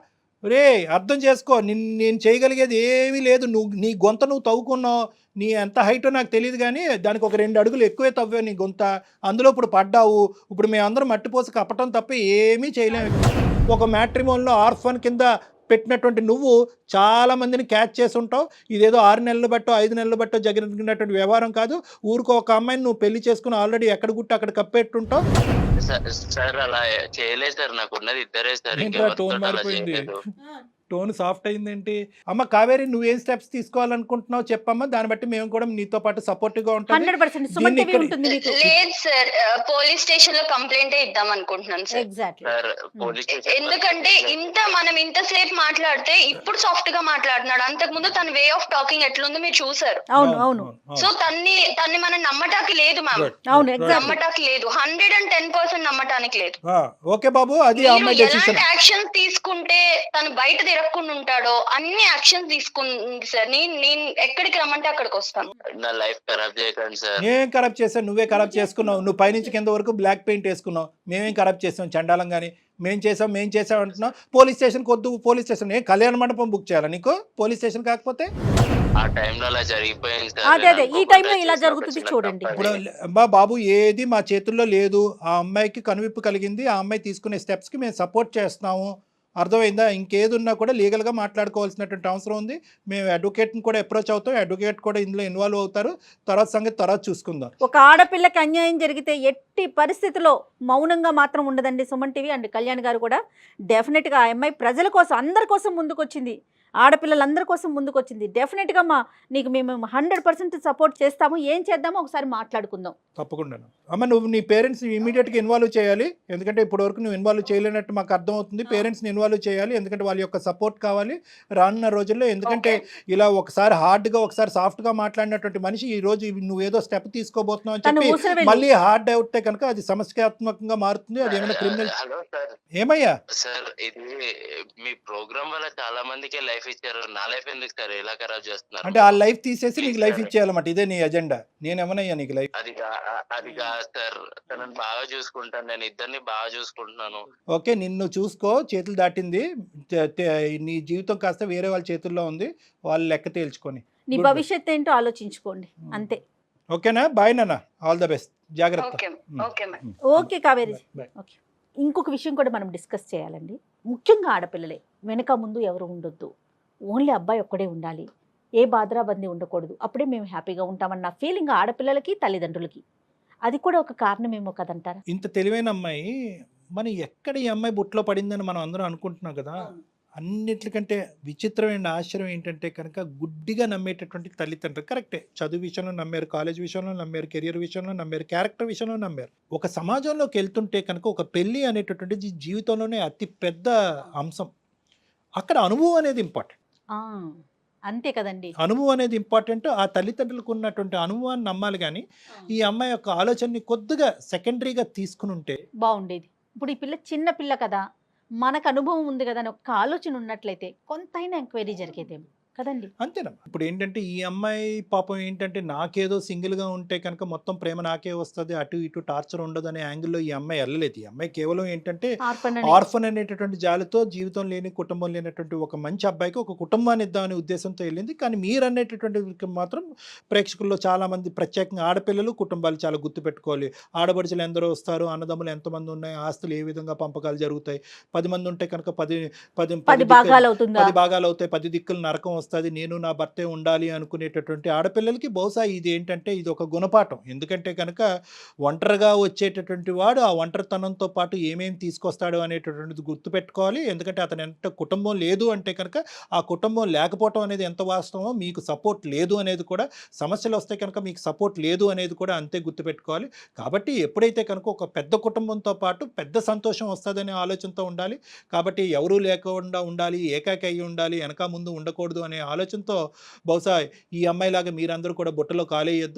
Speaker 3: రే అర్థం చేసుకో, నిన్ను నేను చేయగలిగేది ఏమీ లేదు. నువ్వు నీ గొంత నువ్వు తవ్వుకున్నావు, నీ ఎంత హైటో నాకు తెలియదు కానీ దానికి ఒక రెండు అడుగులు ఎక్కువే తవ్వావు నీ గొంత. అందులో ఇప్పుడు పడ్డావు. ఇప్పుడు మేమందరం మట్టిపోసి కప్పటం తప్ప ఏమీ చేయలేము. ఒక మ్యాట్రిమోన్లో ఆర్ఫన్ కింద పెట్టినటువంటి నువ్వు చాలా మందిని క్యాచ్ చేసి ఉంటావు. ఇదేదో ఆరు నెలలు బట్టో ఐదు నెలలు బట్టో జరిగినటువంటి వ్యవహారం కాదు. ఊరికో ఒక అమ్మాయిని నువ్వు పెళ్లి చేసుకుని ఆల్రెడీ ఎక్కడ గుట్టి అక్కడ కప్పెట్టుంటావు.
Speaker 6: సార్ సార్ అలా చేయలేదు సార్, నాకు ఉన్నది ఇద్దరే సార్,
Speaker 3: ఏంట్రా
Speaker 6: ఇంకెవరితో
Speaker 3: టోన్
Speaker 6: అలా
Speaker 3: మారిపోయింది,
Speaker 6: చేయలేదు.
Speaker 3: టోన్ సాఫ్ట్ అయిందేంటి? అమ్మ కావేరి, నువ్వేం స్టెప్స్ తీసుకోవాలనుకుంటున్నావు చెప్పమ్మా, దాన్ని బట్టి మేము కూడా నీతో పాటు సపోర్టివ్ గా ఉంటాం.
Speaker 2: హండ్రెడ్ పర్సెంట్ సుమన్ టీవీ ఉంటుంది మీకు.
Speaker 4: లేదు సార్, పోలీస్ స్టేషన్ లో కంప్లైంట్ ఇద్దాం అనుకుంటున్నాను sir.
Speaker 2: Exactly.
Speaker 6: Sir police station
Speaker 4: ఎందుకంటే ఇంత మనం ఇంతసేపు మాట్లాడితే ఇప్పుడు సాఫ్ట్ గా మాట్లాడుతున్నాడు. అంతకు ముందు తన వే ఆఫ్ టాకింగ్ ఎట్లుందో మీరు చూసారు.
Speaker 2: అవును అవును
Speaker 4: సో తన్ని తన్ని మనం నమ్మటానికి లేదు మ్యామ్,
Speaker 2: అవును ఎగ్జాక్ట్లీ.
Speaker 4: నమ్మటానికి లేదు, హండ్రెడ్ అండ్ టెన్ పర్సెంట్ నమ్మటానికి లేదు.
Speaker 3: ఓకే బాబు, అది
Speaker 4: మీరు
Speaker 3: అమ్మాయి డెసిషన్.
Speaker 4: ఎలాంటి యాక్షన్స్ తీసుకుంటే తను బయట తిరగకుండా ఉంటాడో అన్ని యాక్షన్స్ తీసుకుంది సార్. నేను నేను ఎక్కడికి రమ్మంటే అక్కడికి వస్తాను.
Speaker 6: నా లైఫ్ ఖరాబ్ చేయకండి సార్.
Speaker 3: నేను కరప్ట్ చేశాను, నువ్వే కరప్ట్ చేసుకున్నావు. నువ్వు పైనుంచి కింద వరకు బ్లాక్ పెయింట్ వేసుకున్నావు. మేమేం కరప్ట్ చేసాం చండాలం కానీ? మేం చేసాం మేం చేసాం అంటున్నావు. పోలీస్ స్టేషన్కి వద్దు, పోలీస్ స్టేషన్ ఏ కళ్యాణ మండపం బుక్ చేయాలా నీకు పోలీస్ స్టేషన్ కాకపోతే?
Speaker 6: ఆ టైంలో అలా జరిగిపోయింది సార్.
Speaker 2: అదే అదే ఈ టైంలో ఇలా జరుగుతుంది చూడండి.
Speaker 3: ఇప్పుడు అమ్మా బాబు, ఏది మా చేతుల్లో లేదు. ఆ అమ్మాయికి కనువిప్పు కలిగింది, ఆ అమ్మాయి తీసుకునే స్టెప్స్కి మేము సపోర్ట్ చేస్తున్నాము. అర్థమైందా? ఇంకేది ఉన్నా కూడా లీగల్గా మాట్లాడుకోవాల్సినటువంటి అవసరం ఉంది. మేము అడ్వకేట్ని కూడా అప్రోచ్ అవుతాం, అడ్వకేట్ కూడా ఇందులో ఇన్వాల్వ్ అవుతారు. తర్వాత సంగతి తర్వాత చూసుకుందాం.
Speaker 2: ఒక ఆడపిల్లకి అన్యాయం జరిగితే ఎట్టి పరిస్థితిలో మౌనంగా మాత్రం ఉండదండి సుమన్ టీవీ అండ్ కళ్యాణ్ గారు కూడా. డెఫినెట్గా ఆ అమ్మాయి ప్రజల కోసం అందరి కోసం ముందుకొచ్చింది, ఆడపిల్లలందరి కోసం ముందుకు వచ్చింది. డెఫినెట్గా మా నీకు మేము హండ్రెడ్ పర్సెంట్ సపోర్ట్ చేస్తాము. ఏం చేద్దామో ఒకసారి మాట్లాడుకుందాం.
Speaker 3: తప్పకుండా అమ్మ, నువ్వు నీ పేరెంట్స్ని ఇమీడియట్గా ఇన్వాల్వ్ చేయాలి. ఎందుకంటే ఇప్పటి వరకు నువ్వు ఇన్వాల్వ్ చేయలేనట్టు మాకు అర్థమవుతుంది. పేరెంట్స్ని ఇన్వాల్వ్ చేయాలి, ఎందుకంటే వాళ్ళ యొక్క సపోర్ట్ కావాలి రానున్న రోజుల్లో. ఎందుకంటే ఇలా ఒకసారి హార్డ్గా ఒకసారి సాఫ్ట్గా మాట్లాడినటువంటి మనిషి ఈ రోజు నువ్వేదో స్టెప్ తీసుకోబోతున్నావు అని చెప్పి మళ్ళీ హార్డ్ అవుతే కనుక అది సమస్యాత్మకంగా మారుతుంది. అది ఏమైనా క్రిమినల్.
Speaker 6: Hello sir.
Speaker 3: ఏమయ్యా
Speaker 6: సార్ ఇది మీ ప్రోగ్రామ్ వల్ల చాలా మందికి లైఫ్ ఇచ్చారు, నా లైఫ్ ఎందుకు సార్ ఇలా ఖరాబ్ చేస్తున్నారు?
Speaker 3: అంటే ఆ లైఫ్ తీసేసి నీకు లైఫ్ ఇచ్చేయాలన్నమాట, ఇదే నీ ఎజెండా. నేనేమనయ్యా నీకు లైఫ్?
Speaker 6: అది కా- అది కాదు సార్, తనని బాగా చూసుకుంటాను, నేను ఇద్దరిని బాగా చూసుకుంటున్నాను.
Speaker 3: ఓకే, నిన్ను చూసుకో, చేతులు దాటింది. తే- తే- నీ జీవితం కాస్త వేరే వాళ్ళ చేతుల్లో ఉంది, వాళ్ళు లెక్క తేల్చుకొని.
Speaker 2: నీ
Speaker 3: Good.
Speaker 2: భవిష్యత్తు ఏంటో ఆలోచించుకోండి అంతే.
Speaker 3: ఓకేనా? బాయ్ నాన్న, ఆల్ ద బెస్ట్, జాగ్రత్త.
Speaker 4: Okay okay ma'am.
Speaker 2: Okay Kaveri.
Speaker 3: Bye.
Speaker 2: Okay, ఇంకొక విషయం కూడా మనం డిస్కస్ చేయాలండి. ముఖ్యంగా ఆడపిల్లలే, వెనక ముందు ఎవరు ఉండొద్దు, ఓన్లీ అబ్బాయి ఒక్కడే ఉండాలి, ఏ బాధరాబందీ ఉండకూడదు, అప్పుడే మేము హ్యాపీగా ఉంటామన్న ఫీలింగ్ ఆడపిల్లలకి తల్లిదండ్రులకి. అది కూడా ఒక కారణమేమో కదంటారా?
Speaker 3: ఇంత తెలివైన అమ్మాయి మనం ఎక్కడ ఈ అమ్మాయి బుట్లో పడిందని మనం అందరం అనుకుంటున్నాం కదా. అన్నిటికంటే విచిత్రమైన ఆశ్చర్యం ఏంటంటే కనుక గుడ్డిగా నమ్మేటటువంటి తల్లిదండ్రులు. కరెక్టే, చదువు విషయంలో నమ్మారు, కాలేజ్ విషయంలో నమ్మారు, కెరియర్ విషయంలో నమ్మారు, క్యారెక్టర్ విషయంలో నమ్మారు. ఒక సమాజంలోకి వెళ్తుంటే కనుక ఒక పెళ్ళి అనేటటువంటిది జీవితంలోనే అతి పెద్ద అంశం. అక్కడ అనుభవం అనేది ఇంపార్టెంట్.
Speaker 2: ఆ, అంతే కదండి.
Speaker 3: అనుభవం అనేది ఇంపార్టెంట్. ఆ తల్లిదండ్రులకు ఉన్నటువంటి అనుభవాన్ని నమ్మాలి. కానీ ఈ అమ్మాయి యొక్క ఆలోచనని కొద్దిగా సెకండరీగా తీసుకుని ఉంటే
Speaker 2: బాగుండేది. ఇప్పుడు ఈ పిల్ల చిన్న పిల్ల కదా, మనకు అనుభవం ఉంది కదా అని ఒక ఆలోచన ఉన్నట్లయితే కొంతైనా ఎంక్వైరీ జరిగేదేమో కదండి.
Speaker 3: అంతేనా? ఇప్పుడు ఏంటంటే ఈ అమ్మాయి పాపం ఏంటంటే నాకేదో సింగిల్గా ఉంటే కనుక మొత్తం ప్రేమ నాకే వస్తుంది, అటు ఇటు టార్చర్ ఉండదు అనే యాంగిల్లో ఈ అమ్మాయి వెళ్ళలేదు. ఈ అమ్మాయి కేవలం ఏంటంటే
Speaker 2: ఆర్ఫన్ అని.
Speaker 3: ఆర్ఫన్ అనేటటువంటి జాలితో, జీవితం లేని కుటుంబం లేనటువంటి ఒక మంచి అబ్బాయికి ఒక కుటుంబాన్ని ఇద్దామనే ఉద్దేశంతో వెళ్ళింది. కానీ మీరు అనేటటువంటి మాత్రం ప్రేక్షకుల్లో చాలామంది, ప్రత్యేకంగా ఆడపిల్లలు కుటుంబాలు చాలా గుర్తుపెట్టుకోవాలి. ఆడపడుచులు ఎందరో వస్తారు, అన్నదమ్ములు ఎంతమంది ఉన్నాయి, ఆస్తులు ఏ విధంగా పంపకాలు జరుగుతాయి, పది మంది ఉంటే కనుక పది పది
Speaker 2: పది భాగాలు అవుతుందా?
Speaker 3: పది భాగాలు అవుతాయి, పది దిక్కులు నరకం వస్తుంది, నేను నా భర్తే ఉండాలి అనుకునేటటువంటి ఆడపిల్లలకి బహుశా ఇది ఏంటంటే ఇది ఒక గుణపాఠం. ఎందుకంటే కనుక ఒంటరిగా వచ్చేటటువంటి వాడు ఆ ఒంటరితనంతో పాటు ఏమేమి తీసుకొస్తాడు అనేటటువంటిది గుర్తుపెట్టుకోవాలి. ఎందుకంటే అతను ఎంత కుటుంబం లేదు అంటే కనుక ఆ కుటుంబం లేకపోవటం అనేది ఎంత వాస్తవమో, మీకు సపోర్ట్ లేదు అనేది కూడా, సమస్యలు వస్తే కనుక మీకు సపోర్ట్ లేదు అనేది కూడా అంతే గుర్తుపెట్టుకోవాలి. కాబట్టి ఎప్పుడైతే కనుక ఒక పెద్ద కుటుంబంతో పాటు పెద్ద సంతోషం వస్తుందనే ఆలోచనతో ఉండాలి. కాబట్టి ఎవరూ లేకుండా ఉండాలి, ఏకాకి అయ్యి ఉండాలి, వెనక ముందు ఉండకూడదు అనే ఆలోచనతో బహుశా ఈ అమ్మాయిలాగా మీరందరూ కూడా బుట్టలో కాలేయొద్దు.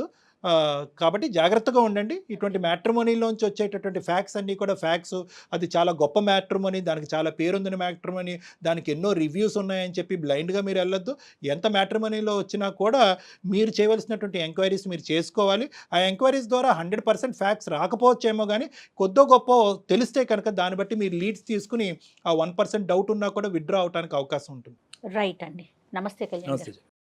Speaker 3: ఆ, కాబట్టి జాగ్రత్తగా ఉండండి. ఇటువంటి మ్యాట్రిమోనీలోంచి వచ్చేటటువంటి ఫ్యాక్స్ అన్నీ కూడా ఫ్యాక్స్, అది చాలా గొప్ప మ్యాట్రిమోనీ, దానికి చాలా పేరుందిన మ్యాట్రిమోనీ, దానికి ఎన్నో రివ్యూస్ ఉన్నాయని చెప్పి బ్లైండ్గా మీరు వెళ్ళొద్దు. ఎంత మ్యాట్రిమోనీలో వచ్చినా కూడా మీరు చేయవలసినటువంటి ఎంక్వైరీస్ మీరు చేసుకోవాలి. ఆ ఎంక్వైరీస్ ద్వారా హండ్రెడ్ పర్సెంట్ ఫ్యాక్స్ రాకపోవచ్చేమో కానీ కొద్దో గొప్ప తెలిస్తే కనుక దాన్ని బట్టి మీరు లీడ్స్ తీసుకుని ఆ వన్ పర్సెంట్ డౌట్ ఉన్నా కూడా విత్డ్రా అవడానికి అవకాశం ఉంటుంది.
Speaker 2: రైట్ అండి. నమస్తే కళ్యాణ్ గారు.
Speaker 3: నమస్తే.